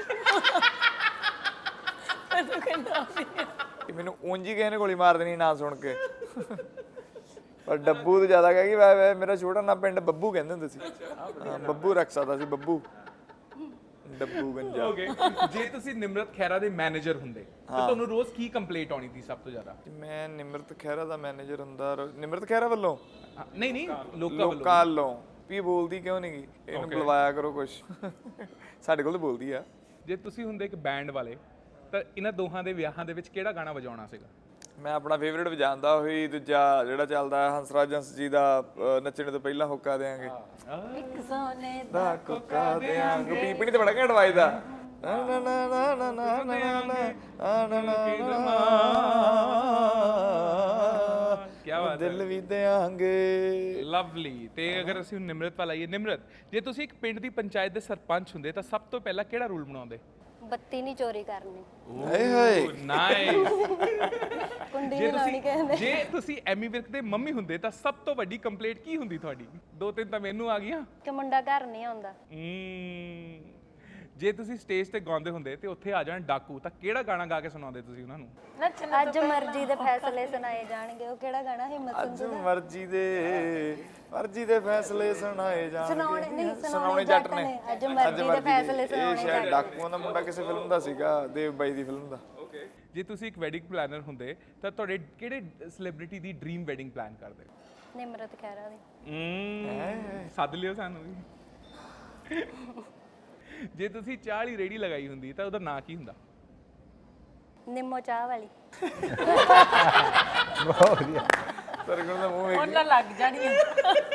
[SPEAKER 2] ਮੈਨੂੰ ਉਂਝ ਹੀ ਕਿਸੇ ਨੇ ਗੋਲੀ ਮਾਰ ਦੇਣੀ ਨਾ ਸੁਣ ਕੇ, ਪਰ ਡੱਬੂ ਤੇ ਜ਼ਿਆਦਾ ਕਹਿ ਗਈ ਵੈ ਵੈ ਮੇਰਾ ਛੋਟਾ ਨਾ ਪਿੰਡ ਬੱਬੂ ਕਹਿੰਦੇ ਹੁੰਦੇ ਸੀ। ਹਾਂ ਬੱਬੂ ਰੱਖ ਸਕਦਾ ਸੀ, ਬੱਬੂ ਡੱਬੂ ਗੰਜਾ।
[SPEAKER 1] ਓਕੇ ਜੇ ਤੁਸੀਂ ਨਿਮਰਤ ਖਹਿਰਾ ਦੇ ਮੈਨੇਜਰ ਹੁੰਦੇ ਤਾਂ ਤੁਹਾਨੂੰ ਰੋਜ਼ ਕੀ ਕੰਪਲੇਂਟ ਆਉਣੀ ਸੀ ਸਭ ਤੋਂ ਜ਼ਿਆਦਾ?
[SPEAKER 2] ਮੈਂ ਨਿਮਰਤ ਖਹਿਰਾ ਦਾ ਮੈਨੇਜਰ ਹੁੰਦਾ, ਰੋ- ਨਿਮਰਤ ਖਹਿਰਾ ਵੱਲੋਂ
[SPEAKER 1] ਹਾਂ, ਨਹੀਂ ਨਹੀਂ ਲੋਕਾਂ ਵੱਲੋਂ।
[SPEAKER 2] ਲੋਕਾਂ ਵੱਲੋਂ ਵੀ ਇਹ ਬੋਲਦੀ ਕਿਉਂ ਨਹੀਂ ਗਈ, ਇਹਨੂੰ ਬੁਲਵਾਇਆ ਕਰੋ ਕੁਛ। ਸਾਡੇ ਕੋਲ ਤਾਂ ਬੋਲਦੀ ਆ।
[SPEAKER 1] ਜੇ ਤੁਸੀਂ ਹੁੰਦੇ ਇੱਕ ਬੈਂਡ ਵਾਲੇ ਤਾਂ ਇਹਨਾਂ ਦੋਹਾਂ ਦੇ ਵਿਆਹਾਂ ਦੇ ਵਿੱਚ ਕਿਹੜਾ ਗਾਣਾ ਵਜਾਉਣਾ ਸੀਗਾ?
[SPEAKER 2] ਮੈਂ ਆਪਣਾ ਫੇਵਰੇਟ ਵਜਾਉਂਦਾ ਹੋਈ ਦੂਜਾ ਜਿਹੜਾ ਚੱਲਦਾ ਹੰਸਰਾਜ ਹੰਸ ਜੀ ਦਾ ਅਹ, ਨੱਚਣ ਤੋਂ ਪਹਿਲਾਂ ਹੋਕਾ ਦੇਾਂਗੇ,
[SPEAKER 3] एक सोने
[SPEAKER 2] ਦਾ ਕੋਕਾ ਦੇਾਂਗੇ, ਪੀਪਣੀ ਤੇ ਬੜਾ ਘੈਂਟ ਵੱਜਦਾ। ਨਾ ਨਾ ਨਾ ਨਾ ਨਾ ਨਾ ਨਾ ਨਾ ਨਾ ਨਾ
[SPEAKER 1] ਕੀ ਬਾਤ ਹੈ,
[SPEAKER 2] ਦਿਲ ਵੀ ਦੇਾਂਗੇ।
[SPEAKER 1] ਲਵਲੀ। ਤੇ ਅਗਰ ਅਸੀਂ ਹੁਣ ਨਿਮਰਤ ਵੱਲ ਆਈਏ, ਨਿਮਰਤ ਜੇ ਤੁਸੀਂ ਇੱਕ ਪਿੰਡ ਦੀ ਪੰਚਾਇਤ ਦੇ ਸਰਪੰਚ ਹੁੰਦੇ ਤਾਂ ਸਭ ਤੋਂ ਪਹਿਲਾਂ ਕਿਹੜਾ ਰੂਲ ਬਣਾਉਂਦੇ?
[SPEAKER 5] ਬੱਤੀ ਨਹੀਂ ਚੋਰੀ ਕਰਨੀ,
[SPEAKER 2] ਹਾਏ ਹਾਏ
[SPEAKER 1] ਨਾਈਸ।
[SPEAKER 5] ਕੁੰਡੀ
[SPEAKER 1] ਜੇ
[SPEAKER 5] ਨਹੀਂ ਲਾਉਣੀ
[SPEAKER 1] ਤੁਸੀਂ
[SPEAKER 5] ਕਹਿੰਦੇ।
[SPEAKER 1] ਜੇ ਤੁਸੀਂ ਐਮੀ ਵਿਰਕ ਦੇ ਮੰਮੀ ਹੁੰਦੇ ਤਾਂ ਸਭ ਤੋਂ ਵੱਡੀ ਕੰਪਲੇਂਟ ਕੀ ਹੁੰਦੀ ਤੁਹਾਡੀ? ਦੋ ਤਿੰਨ ਤਾਂ ਮੈਨੂੰ ਆ ਗਈਆਂ।
[SPEAKER 5] ਕਿ ਮੁੰਡਾ ਘਰ ਨਹੀਂ ਆਉਂਦਾ।
[SPEAKER 1] ਹਮ, ਜੇ ਤੁਸੀਂ ਸਟੇਜ ਤੇ ਗਾਉਂਦੇ ਹੁੰਦੇ ਤੇ ਉੱਥੇ ਆ ਜਾਣ ਡਾਕੂ ਤਾਂ ਕਿਹੜਾ ਗਾਣਾ ਗਾ ਕੇ ਸੁਣਾਉਂਦੇ ਤੁਸੀਂ ਉਹਨਾਂ ਨੂੰ?
[SPEAKER 3] नचना
[SPEAKER 5] ਅੱਜ ਮਰਜ਼ੀ ਦੇ ਫੈਸਲੇ ਸੁਣਾਏ ਜਾਣਗੇ, ਉਹ ਕਿਹੜਾ ਗਾਣਾ ਹਿੰਮਤ
[SPEAKER 2] ਅੱਜ ਮਰਜ਼ੀ ਦੇ ਮਰਜ਼ੀ ਦੇ ਫੈਸਲੇ ਸੁਣਾਏ
[SPEAKER 5] ਸੁਣਾਉਣੇ
[SPEAKER 2] ਜਾਣਗੇ,
[SPEAKER 5] ਨਹੀਂ,
[SPEAKER 2] ਸੁਣਾਉਣੇ ਜੱਟ ਨੇ।
[SPEAKER 5] ਅੱਜ ਮਰਜ਼ੀ ਦੇ ਫੈਸਲੇ
[SPEAKER 2] ਇਹ
[SPEAKER 5] ਸੁਣਾਉਣੇ
[SPEAKER 2] ਸ਼ਾਇਦ ਡਾਕੂਆਂ ਦਾ ਮੁੰਡਾ ਕਿਸੇ ਫਿਲਮ ਦਾ ਸੀਗਾ, ਦੇਵ ਬਾਈ ਦੀ ਫਿਲਮ ਦਾ।
[SPEAKER 1] ਓਕੇ ਜੇ ਤੁਸੀਂ ਇੱਕ ਵੈਡਿੰਗ ਪਲਾਨਰ ਹੁੰਦੇ ਤਾਂ ਤੁਹਾਡੇ ਕਿਹੜੇ ਸੈਲੀਬ੍ਰਿਟੀ ਦੀ ਡ੍ਰੀਮ ਵੈਡਿੰਗ ਪਲਾਨ ਕਰਦੇ?
[SPEAKER 5] ਨਿਮਰਤ ਖਹਿਰਾ ਦੀ।
[SPEAKER 1] ਹਮ, ਸੱਦ ਲਿਓ ਸਾਨੂੰ ਵੀ। ਜੇ ਤੁਸੀਂ ਚਾਹ ਵਾਲੀ ਰੇੜੀ ਲਗਾਈ ਹੁੰਦੀ ਤਾਂ ਉਹਦਾ ਨਾਂ ਕੀ ਹੁੰਦਾ?
[SPEAKER 5] ਨਿੰਮੋ ਚਾਹ ਵਾਲੀ।
[SPEAKER 4] ਬਹੁਤ ਵਧੀਆ।
[SPEAKER 2] ਸਰਗੁਣ ਦਾ ਮੂੰਹ ਵੇਖ
[SPEAKER 3] ਉਹਨਾਂ ਲੱਗ ਜਾਣੀ ਹੈ।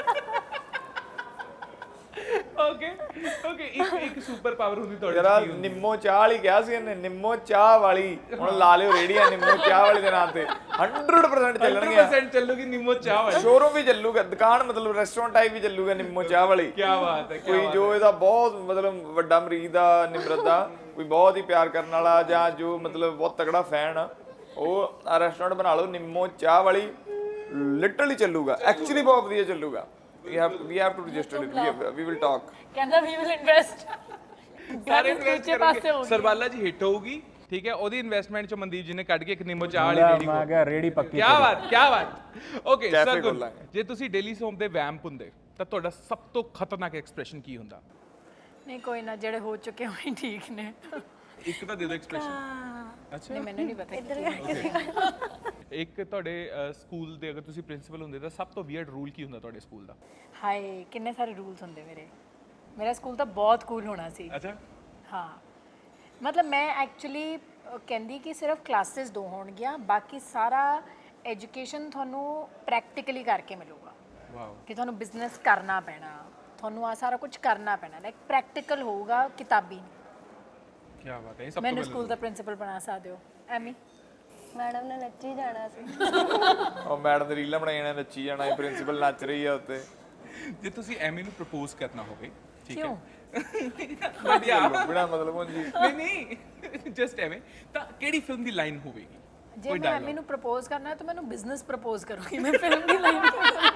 [SPEAKER 1] ਓਕੇ ਓਕੇ ਇੱਕ ਇੱਕ ਸੁਪਰ ਪਾਵਰ ਹੁੰਦੀ ਤੁਹਾਡੇ
[SPEAKER 2] ਜਰਾ
[SPEAKER 1] ਚ ਕੀ ਹੁੰਦੀ?
[SPEAKER 2] ਨਿੰਮੋ ਚਾਹ ਵਾਲੀ ਕਿਹਾ ਸੀ ਇਹਨੇ, ਨਿੰਮੋ ਚਾਹ ਵਾਲੀ। ਹੁਣ ਲਾ ਲਿਓ ਰੇੜੀਆਂ ਨਿੰਮੋ ਚਾਹ ਵਾਲੀ ਦੇ ਨਾਂ ਤੇ ਹੰਡਰਡ ਪਰਸੈਂਟ
[SPEAKER 1] ਸੌ
[SPEAKER 2] ਚੱਲਣਗੀਆਂ।
[SPEAKER 1] ਪਰਸੈਂਟ ਚੱਲੂਗੀ ਨਿੰਮੋ ਚਾਹ ਵਾਲੀ।
[SPEAKER 2] ਸ਼ੋਰੂਮ ਵੀ ਚੱਲੂਗਾ, ਦੁਕਾਨ ਮਤਲਬ ਰੈਸਟੋਰੈਂਟ ਟਾਈਪ ਵੀ ਚੱਲੂਗਾ ਨਿੰਮੋ ਚਾਹ ਵਾਲੀ।
[SPEAKER 1] ਕੀ ਬਾਤ ਹੈ, ਕੀ
[SPEAKER 2] ਕੋਈ ਜੋ ਇਹਦਾ ਬਹੁਤ ਮਤਲਬ ਵੱਡਾ ਮਰੀਜ਼ ਦਾ ਨਿਮਰਤ ਦਾ ਕੋਈ ਬਹੁਤ ਹੀ ਪਿਆਰ ਕਰਨ ਵਾਲਾ ਜਾਂ ਜੋ ਮਤਲਬ ਬਹੁਤ ਤਗੜਾ ਫੈਨ ਆ, ਉਹ ਰੈਸਟੋਰੈਂਟ ਬਣਾ ਲਓ ਨਿੰਮੋ ਚਾਹ ਵਾਲੀ। ਲਿਟਰਲੀ ਚੱਲੂਗਾ, ਐਕਚੁਅਲੀ ਬਹੁਤ ਵਧੀਆ ਚੱਲੂਗਾ। We have we have to register it, we will talk.
[SPEAKER 3] ਕਹਿੰਦਾ ਵੀ ਵਿਲ ਇਨਵੈਸਟ।
[SPEAKER 1] ਸਾਰੇ ਇਨਵੈਸਟ ਕਰਨਗੇ। ਸਰਬਾਲਾ ਜੀ ਹਿੱਟ ਹੋਊਗੀ, ਠੀਕ ਹੈ, ਉਹਦੀ ਇਨਵੈਸਟਮੈਂਟ ਚ ਮਨਦੀਪ ਜੀ ਨੇ ਕੱਢ ਕੇ ਇੱਕ ਨਿੰਮੋ ਚਾਹ ਵਾਲੀ ਰੇੜੀ
[SPEAKER 4] ਮੈਂ ਕਿਹਾ ਰੇੜੀ ਪੱਕੀ।
[SPEAKER 1] ਕੀ ਬਾਤ ਕੀ ਬਾਤ। ਓਕੇ
[SPEAKER 2] Cafe
[SPEAKER 1] ਸਰ,
[SPEAKER 2] ਖੋਲਾਂਗੇ।
[SPEAKER 1] ਜੇ ਤੁਸੀਂ ਡੇਲੀ ਸੋਮ ਦੇ ਵੈਂਪ ਹੁੰਦੇ ਤਾਂ ਤੁਹਾਡਾ ਸਭ ਤੋਂ ਖਤਰਨਾਕ ਐਕਸਪ੍ਰੈਸ਼ਨ ਕੀ ਹੁੰਦਾ?
[SPEAKER 3] ਨਹੀਂ ਕੋਈ ਨਾ, ਜਿਹੜੇ ਹੋ ਚੁੱਕੇ ਹੋਏ ਠੀਕ ਨੇ।
[SPEAKER 1] ਇੱਕ ਤਾਂ ਦੇ ਦਿਓ ਐਕਸਪ੍ਰੈਸ਼ਨ। ਅੱਛਾ
[SPEAKER 3] ਨਹੀਂ ਮੈਨੂੰ ਨਹੀਂ ਪਤਾ।
[SPEAKER 1] ਇੱਕ ਤੁਹਾਡੇ ਸਕੂਲ ਦੇ ਅਗਰ ਤੁਸੀਂ ਪ੍ਰਿੰਸੀਪਲ ਹੁੰਦੇ ਤਾਂ ਸਭ ਤੋਂ ਵੀਅਰਡ ਰੂਲ ਕੀ ਹੁੰਦਾ ਤੁਹਾਡੇ ਸਕੂਲ ਦਾ?
[SPEAKER 3] ਹਾਏ ਕਿੰਨੇ ਸਾਰੇ ਰੂਲਸ ਹੁੰਦੇ ਮੇਰੇ। ਮੇਰਾ ਸਕੂਲ ਤਾਂ ਬਹੁਤ ਕੂਲ ਹੋਣਾ ਸੀ।
[SPEAKER 1] ਅੱਛਾ
[SPEAKER 3] ਹਾਂ ਮਤਲਬ ਮੈਂ ਐਕਚੁਅਲੀ ਕਹਿੰਦੀ ਕਿ ਸਿਰਫ ਕਲਾਸਿਸ ਦੋ ਹੋਣਗੀਆਂ, ਬਾਕੀ ਸਾਰਾ ਐਜੂਕੇਸ਼ਨ ਤੁਹਾਨੂੰ ਪ੍ਰੈਕਟੀਕਲੀ ਕਰਕੇ ਮਿਲੂਗਾ।
[SPEAKER 1] ਵਾਓ
[SPEAKER 3] ਕਿ ਤੁਹਾਨੂੰ ਬਿਜ਼ਨਸ ਕਰਨਾ ਪੈਣਾ, ਤੁਹਾਨੂੰ ਆ ਸਾਰਾ ਕੁਝ ਕਰਨਾ ਪੈਣਾ, ਲਾਈਕ ਪ੍ਰੈਕਟੀਕਲ ਹੋਊਗਾ, ਕਿਤਾਬੀ।
[SPEAKER 1] ਕੀ ਬਾਤ ਹੈ। ਇਹ ਸਭ ਤੋਂ
[SPEAKER 3] ਮੈਨੂੰ
[SPEAKER 1] ਪਹਿਲਾਂ
[SPEAKER 3] ਸਕੂਲ ਦਾ ਪ੍ਰਿੰਸੀਪਲ ਬਣਾ ਸਕਦੇ ਹੋ ਐਮੀ।
[SPEAKER 5] ਮੈਡਮ ਨੇ ਨੱਚੀ ਜਾਣਾ ਸੀ।
[SPEAKER 2] ਉਹ ਮੈਡਮ ਦੇ ਰੀਲਾਂ ਬਣਾਈ ਜਾਣਾ, ਨੱਚੀ ਜਾਣਾ, ਪ੍ਰਿੰਸੀਪਲ ਨੱਚ ਰਹੀ ਆ ਉੱਤੇ।
[SPEAKER 1] ਜੇ ਤੁਸੀਂ ਐਮੀ ਨੂੰ ਪ੍ਰਪੋਜ਼ ਕਰਨਾ ਹੋਵੇ, ਠੀਕ ਹੈ,
[SPEAKER 3] ਕਿਉਂ?
[SPEAKER 1] ਵਧੀਆ
[SPEAKER 2] ਬਿਨਾ ਮਤਲਬ ਹੁਣ ਜੀ
[SPEAKER 1] ਨਹੀਂ ਨਹੀਂ ਜਸਟ ਐਵੇਂ, ਤਾਂ ਕਿਹੜੀ ਫਿਲਮ ਦੀ ਲਾਈਨ ਹੋਵੇਗੀ?
[SPEAKER 3] ਜੇ ਮੈਂ ਐਮੀ ਨੂੰ ਪ੍ਰਪੋਜ਼ ਕਰਨਾ ਹੈ ਤਾਂ ਮੈਨੂੰ ਬਿਜ਼ਨਸ ਪ੍ਰਪੋਜ਼ ਕਰੂੰਗੀ, ਮੈਂ ਫਿਲਮ ਦੀ ਲਾਈਨ।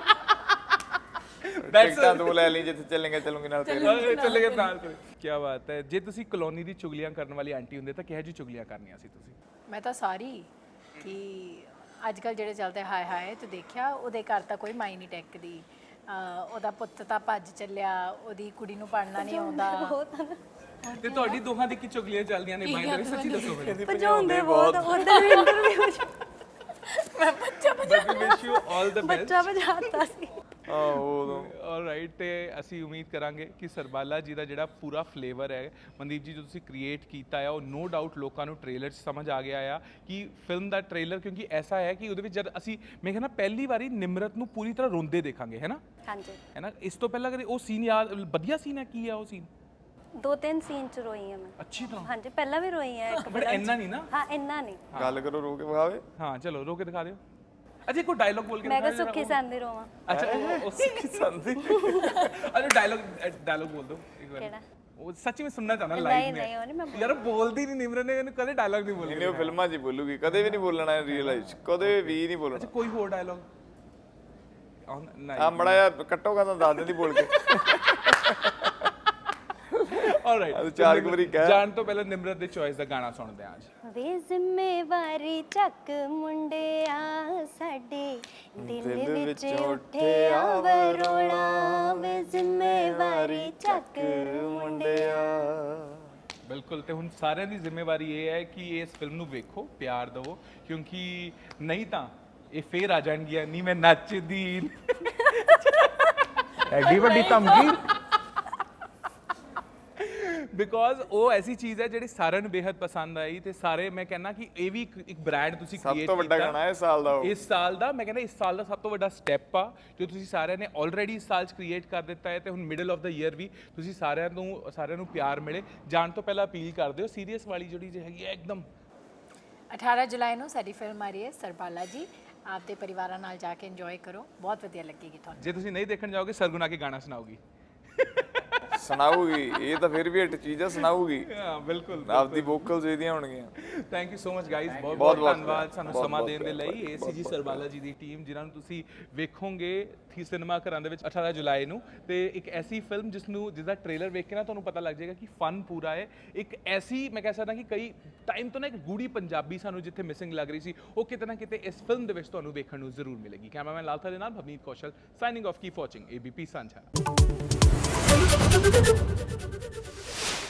[SPEAKER 2] ਟਿਕਟਾਂ ਦੋ ਲੈ ਲਈ, ਜਿੱਥੇ ਚੱਲੇਂਗੇ ਚੱਲੂਗੇ ਨਾਲ ਤੇਰੇ।
[SPEAKER 1] ਚੱਲੇ ਗਏ ਨਾਲ ਕੋਈ। ਕੀ ਬਾਤ ਹੈ। ਜੇ ਤੁਸੀਂ ਕਲੋਨੀ ਦੀ ਚੁਗਲੀਆਂ ਕਰਨ ਵਾਲੀ ਆਂਟੀ ਹੁੰਦੇ ਤਾਂ ਕਿਹੋ ਜਿਹੀ ਚੁਗਲੀਆਂ ਕਰਨੀਆਂ ਸੀ ਤੁਸੀਂ?
[SPEAKER 3] ਮੈਂ ਤਾਂ ਸਾਰੀ ਕਿ ਅੱਜ ਕੱਲ ਜਿਹੜੇ ਚੱਲਦੇ ਹਾਏ ਹਾਏ ਤੇ ਦੇਖਿਆ, ਉਹਦੇ ਘਰ ਤਾਂ ਕੋਈ ਮਾਈ ਨਹੀਂ ਟੈਕਦੀ, ਅਹ ਉਹਦਾ ਪੁੱਤ ਤਾਂ ਭੱਜ ਚੱਲਿਆ, ਉਹਦੀ ਕੁੜੀ ਨੂੰ ਪੜ੍ਹਨਾ ਨਹੀਂ ਆਉਂਦਾ।
[SPEAKER 1] ਤੇ ਤੁਹਾਡੀ ਦੋਹਾਂ ਦੀ ਕੀ ਚੁਗਲੀਆਂ ਚੱਲਦੀਆਂ ਨੇ ਬਾਈ ਦੇ? ਸੱਚੀ ਦੱਸੋ ਮੈਨੂੰ।
[SPEAKER 5] ਭਜਾਉਂਦੇ ਬਹੁਤ ਉਧਰ ਵੀ ਇੰਟਰਵਿਊ ਚ
[SPEAKER 3] ਮੈਂ ਬੱਚਾ
[SPEAKER 1] but we wish you all the best.
[SPEAKER 5] ਬੱਚਾ ਭਜਾਤਾ ਸੀ।
[SPEAKER 2] ਆਹੋ ਉਦੋਂ
[SPEAKER 1] ਆਲਰਾਈਟ, ਤੇ ਅਸੀਂ ਉਮੀਦ ਕਰਾਂਗੇ ਕਿ ਸਰਬਾਲਾ ਜੀ ਦਾ ਜਿਹੜਾ ਪੂਰਾ ਫਲੇਵਰ ਹੈ ਮਨਦੀਪ ਜੀ ਜੋ ਤੁਸੀਂ ਕ੍ਰੀਏਟ ਕੀਤਾ ਆ, ਉਹ ਨੋ ਡਾਊਟ ਲੋਕਾਂ ਨੂੰ ਟ੍ਰੇਲਰ 'ਚ ਸਮਝ ਆ ਗਿਆ ਆ ਕਿ ਫਿਲਮ ਦਾ ਟ੍ਰੇਲਰ, ਕਿਉਂਕਿ ਐਸਾ ਹੈ ਕਿ ਉਹਦੇ ਵਿੱਚ ਜਦ ਅਸੀਂ ਮੈਂ ਕਹਿੰਦਾ ਪਹਿਲੀ ਵਾਰੀ ਨਿਮਰਤ ਨੂੰ ਪੂਰੀ ਤਰ੍ਹਾਂ ਰੋਂਦੇ ਦੇਖਾਂਗੇ, ਹੈ ਨਾ?
[SPEAKER 5] ਹਾਂਜੀ
[SPEAKER 1] ਹੈ ਨਾ? ਇਸ ਤੋਂ ਪਹਿਲਾਂ ਕਦੇ ਉਹ ਸੀਨ ਯਾਦ, ਵਧੀਆ ਸੀਨ ਹੈ, ਕੀ ਆ ਉਹ ਸੀਨ?
[SPEAKER 5] ਦੋ ਤਿੰਨ ਸੀਨ ਚ ਰੋਈ ਹਾਂ ਮੈਂ।
[SPEAKER 1] ਅੱਛੀ ਤਰ੍ਹਾਂ।
[SPEAKER 5] ਹਾਂਜੀ ਪਹਿਲਾਂ ਵੀ ਰੋਈ ਹਾਂ ਇੱਕ
[SPEAKER 1] ਬਟ ਇੰਨਾ ਨਹੀਂ ਨਾ।
[SPEAKER 5] ਹਾਂ ਇੰਨਾ ਨਹੀਂ।
[SPEAKER 2] ਗੱਲ ਕਰੋ ਰੋ ਕੇ ਵਿਖਾਵੇ।
[SPEAKER 1] ਹਾਂ ਚਲੋ ਰੋ ਕੇ ਦਿਖਾ ਦਿਓ। ਅੱਛਾ ਕੋਈ ਡਾਇਲੌਗ ਬੋਲ ਕੇ
[SPEAKER 5] ਮੈਂ ਕਿਹਾ
[SPEAKER 1] ਦਿਖਾ ਦਿਓ
[SPEAKER 5] ਸੁੱਖੀ ਸੰਦੀ ਰੋਵਾਂ।
[SPEAKER 1] ਅੱਛਾ ਉਹ- ਉਹ ਸੁੱਖੀ ਸੰਦੀ। ਅੱਛਾ ਡਾਇਲੌਗ ਡਾਇਲੌਗ ਬੋਲ ਦਿਓ ਇੱਕ ਵਾਰ।
[SPEAKER 5] ਕਿਹੜਾ?
[SPEAKER 1] ਉਹ ਸੱਚੀ ਮੈਂ ਸੁਣਨਾ ਚਾਹਣਾ
[SPEAKER 5] ਨਹੀਂ
[SPEAKER 1] ਲਾਈਵ
[SPEAKER 5] ਨਹੀਂ ਉਹ ਨਹੀਂ ਮੈਂ
[SPEAKER 1] ਯਾਰ ਬੋਲਦੀ ਨਹੀਂ ਨਿਮਰਨ ਨੇ, ਇਹਨੂੰ ਕਦੇ ਡਾਇਲੌਗ ਨਹੀਂ ਬੋਲਿਆ।
[SPEAKER 2] ਇਹਨੇ ਉਹ ਫਿਲਮਾਂ 'ਚ ਹੀ ਬੋਲੂਗੀ, ਕਦੇ ਵੀ ਨਹੀਂ ਬੋਲਣਾ ਰੀਅਲ ਲਾਈਫ 'ਚ, ਕਦੇ ਵੀ ਨਹੀਂ ਬੋਲਣਾ।
[SPEAKER 1] ਅੱਛਾ ਕੋਈ ਹੋਰ ਡਾਇਲੌਗ? ਨਹੀਂ
[SPEAKER 2] ਆ ਮੜਾ ਜਿਹਾ ਕੱਟੋਗਾ ਤਾਂ ਦੱਸ ਦਿੰਦੀ ਬੋਲ ਕੇ।
[SPEAKER 1] ਆਲਰਾਈਟ,
[SPEAKER 2] ಅದು ਚਾਰ ਕੁ ਵਾਰੀ ਕਹਿ।
[SPEAKER 1] ਜਾਣ ਤੋਂ ਪਹਿਲਾਂ ਨਿਮਰਤ ਦੇ ਚੋਇਸ ਦਾ ਗਾਣਾ ਸੁਣਦੇ ਹਾਂ ਅੱਜ।
[SPEAKER 5] ਵੇ ਜ਼ਿੰਮੇਵਾਰੀ ਚੱਕ ਮੁੰਡਿਆ ਸਾਡੇ ਦਿਲ ਵਿੱਚ ਉੱਠਿਆ ਵਰੋਲਾ, ਵੇ ਜ਼ਿੰਮੇਵਾਰੀ ਚੱਕ ਮੁੰਡਿਆ।
[SPEAKER 1] ਬਿਲਕੁਲ, ਤੇ ਹੁਣ ਸਾਰਿਆਂ ਦੀ ਜ਼ਿੰਮੇਵਾਰੀ ਇਹ ਹੈ ਕਿ ਇਸ ਫਿਲਮ ਨੂੰ ਵੇਖੋ, ਪਿਆਰ ਦਿਵੋ, ਕਿਉਂਕਿ ਨਹੀਂ ਤਾਂ ਇਹ ਫੇਰ ਆ ਜਾਣਗੀਆਂ ਨਹੀਂ ਮੈਂ ਨੱਚਦੀ।
[SPEAKER 4] ਐਡੀ ਵੱਡੀ ਧਮਕੀ।
[SPEAKER 1] ਬਿਕੋਜ਼ ਉਹ ਐਸੀ ਚੀਜ਼ ਹੈ ਜਿਹੜੀ ਸਾਰਿਆਂ ਨੂੰ ਬੇहद ਪਸੰਦ ਆਈ, ਤੇ ਸਾਰੇ ਮੈਂ ਕਹਿੰਦਾ ਕਿ ਇਹ ਵੀ ਇੱਕ- ਇੱਕ ਬ੍ਰਾਂਡ ਤੁਸੀਂ
[SPEAKER 2] ਸਭ
[SPEAKER 1] ਕ੍ਰੀਏਟ
[SPEAKER 2] ਤੋਂ ਵੱਡਾ ਗਾਣਾ ਹੈ ਇਸ ਸਾਲ ਦਾ ਉਹ।
[SPEAKER 1] ਇਸ ਸਾਲ ਦਾ, ਮੈਂ ਕਹਿੰਦਾ ਇਸ ਸਾਲ ਦਾ ਸਭ ਤੋਂ ਵੱਡਾ ਸਟੈਪ ਆ ਜੋ ਤੁਸੀਂ ਸਾਰਿਆਂ ਨੇ ਆਲਰੇਡੀ ਇਸ ਸਾਲ 'ਚ ਕ੍ਰੀਏਟ ਕਰ ਦਿੱਤਾ ਹੈ, ਤੇ ਹੁਣ ਮਿਡਲ ਆਫ ਦਾ ਈਅਰ ਵੀ ਤੁਸੀਂ ਸਾਰਿਆਂ ਨੂੰ ਸਾਰਿਆਂ ਨੂੰ ਪਿਆਰ ਮਿਲੇ। ਜਾਣ ਤੋਂ ਪਹਿਲਾਂ ਅਪੀਲ ਕਰਦੇ ਹੋ ਸੀਰੀਅਸ ਵਾਲੀ ਜਿਹੜੀ ਜੇ ਹੈਗੀ ਹੈ ਇੱਕਦਮ।
[SPEAKER 3] ਅਠਾਰਾਂ ਜੁਲਾਈ ਨੂੰ ਸਾਡੀ ਫਿਲਮ ਆ ਰਹੀ ਹੈ ਸਰਬਾਲਾ ਜੀ, ਆਪਦੇ ਪਰਿਵਾਰਾਂ ਨਾਲ ਜਾ ਕੇ ਇੰਜੋਏ ਕਰੋ, ਬਹੁਤ ਵਧੀਆ ਲੱਗੇਗੀ ਤੁਹਾਨੂੰ।
[SPEAKER 1] ਜੇ ਤੁਸੀਂ ਨਹੀਂ ਦੇਖਣ ਜਾਓਗੇ ਸਰਗੁਣ ਆ ਕੇ ਗਾਣਾ ਸੁਣਾਓਗੀ।
[SPEAKER 2] ਸੁਣਾਊਗੀ, ਇਹ ਤਾਂ ਫਿਰ ਵੀ ਹਿੱਟ ਚੀਜ਼ ਆ, ਸੁਣਾਊਗੀ।
[SPEAKER 1] ਹਾਂ ਬਿਲਕੁਲ।
[SPEAKER 2] ਆਪਦੀ ਵੋਕਲਸ ਇਹਦੀਆਂ ਹੋਣਗੀਆਂ।
[SPEAKER 1] Thank you so much guys, ਬਹੁਤ
[SPEAKER 2] ਬਹੁਤ
[SPEAKER 1] ਬਹੁਤ ਧੰਨਵਾਦ ਸਾਨੂੰ
[SPEAKER 2] ਬਹੁਤ
[SPEAKER 1] ਸਮਾਂ
[SPEAKER 2] ਬਹੁਤ
[SPEAKER 1] ਦੇਣ ਦੇ ਲਈ। ਏਸੀਜੀ ਸਰਬਾਲਾ ਜੀ ਦੀ ਟੀਮ ਜਿਨ੍ਹਾਂ ਨੂੰ ਤੁਸੀਂ ਵੇਖੋਗੇ ਥੀ ਸਿਨੇਮਾ ਘਰਾਂ ਦੇ ਵਿੱਚ ਅਠਾਰਾਂ ਜੁਲਾਈ ਨੂੰ, ਤੇ ਇੱਕ ਐਸੀ ਫਿਲਮ ਜਿਸ ਨੂੰ ਜਿਸ ਦਾ ਟ੍ਰੇਲਰ ਵੇਖ ਕੇ ਨਾ ਤੁਹਾਨੂੰ ਪਤਾ ਲੱਗ ਜਾਏਗਾ ਕਿ ਫਨ ਪੂਰਾ ਹੈ। ਇੱਕ ਐਸੀ ਮੈਂ ਕਹਿ ਸਕਦਾ ਕਿ ਕਈ ਟਾਈਮ ਤੋਂ ਨਾ ਇੱਕ ਗੂੜੀ ਪੰਜਾਬੀ ਸਾਨੂੰ ਜਿੱਥੇ ਮਿਸਿੰਗ ਲੱਗ ਰਹੀ ਸੀ, ਉਹ ਕਿਤੇ ਨਾ ਕਿਤੇ ਇਸ ਫਿਲਮ ਦੇ ਵਿੱਚ ਤੁਹਾਨੂੰ ਵੇਖਣ ਨੂੰ ਜ਼ਰੂਰ ਮਿਲੇਗੀ। ਕੈਮਰਾਮੈਨ ਲਾਲਥਾ ਦੇ ਨਾਲ Bhavneet Kaushal signing off, keep watching ABP ਸਾਂਝਾ।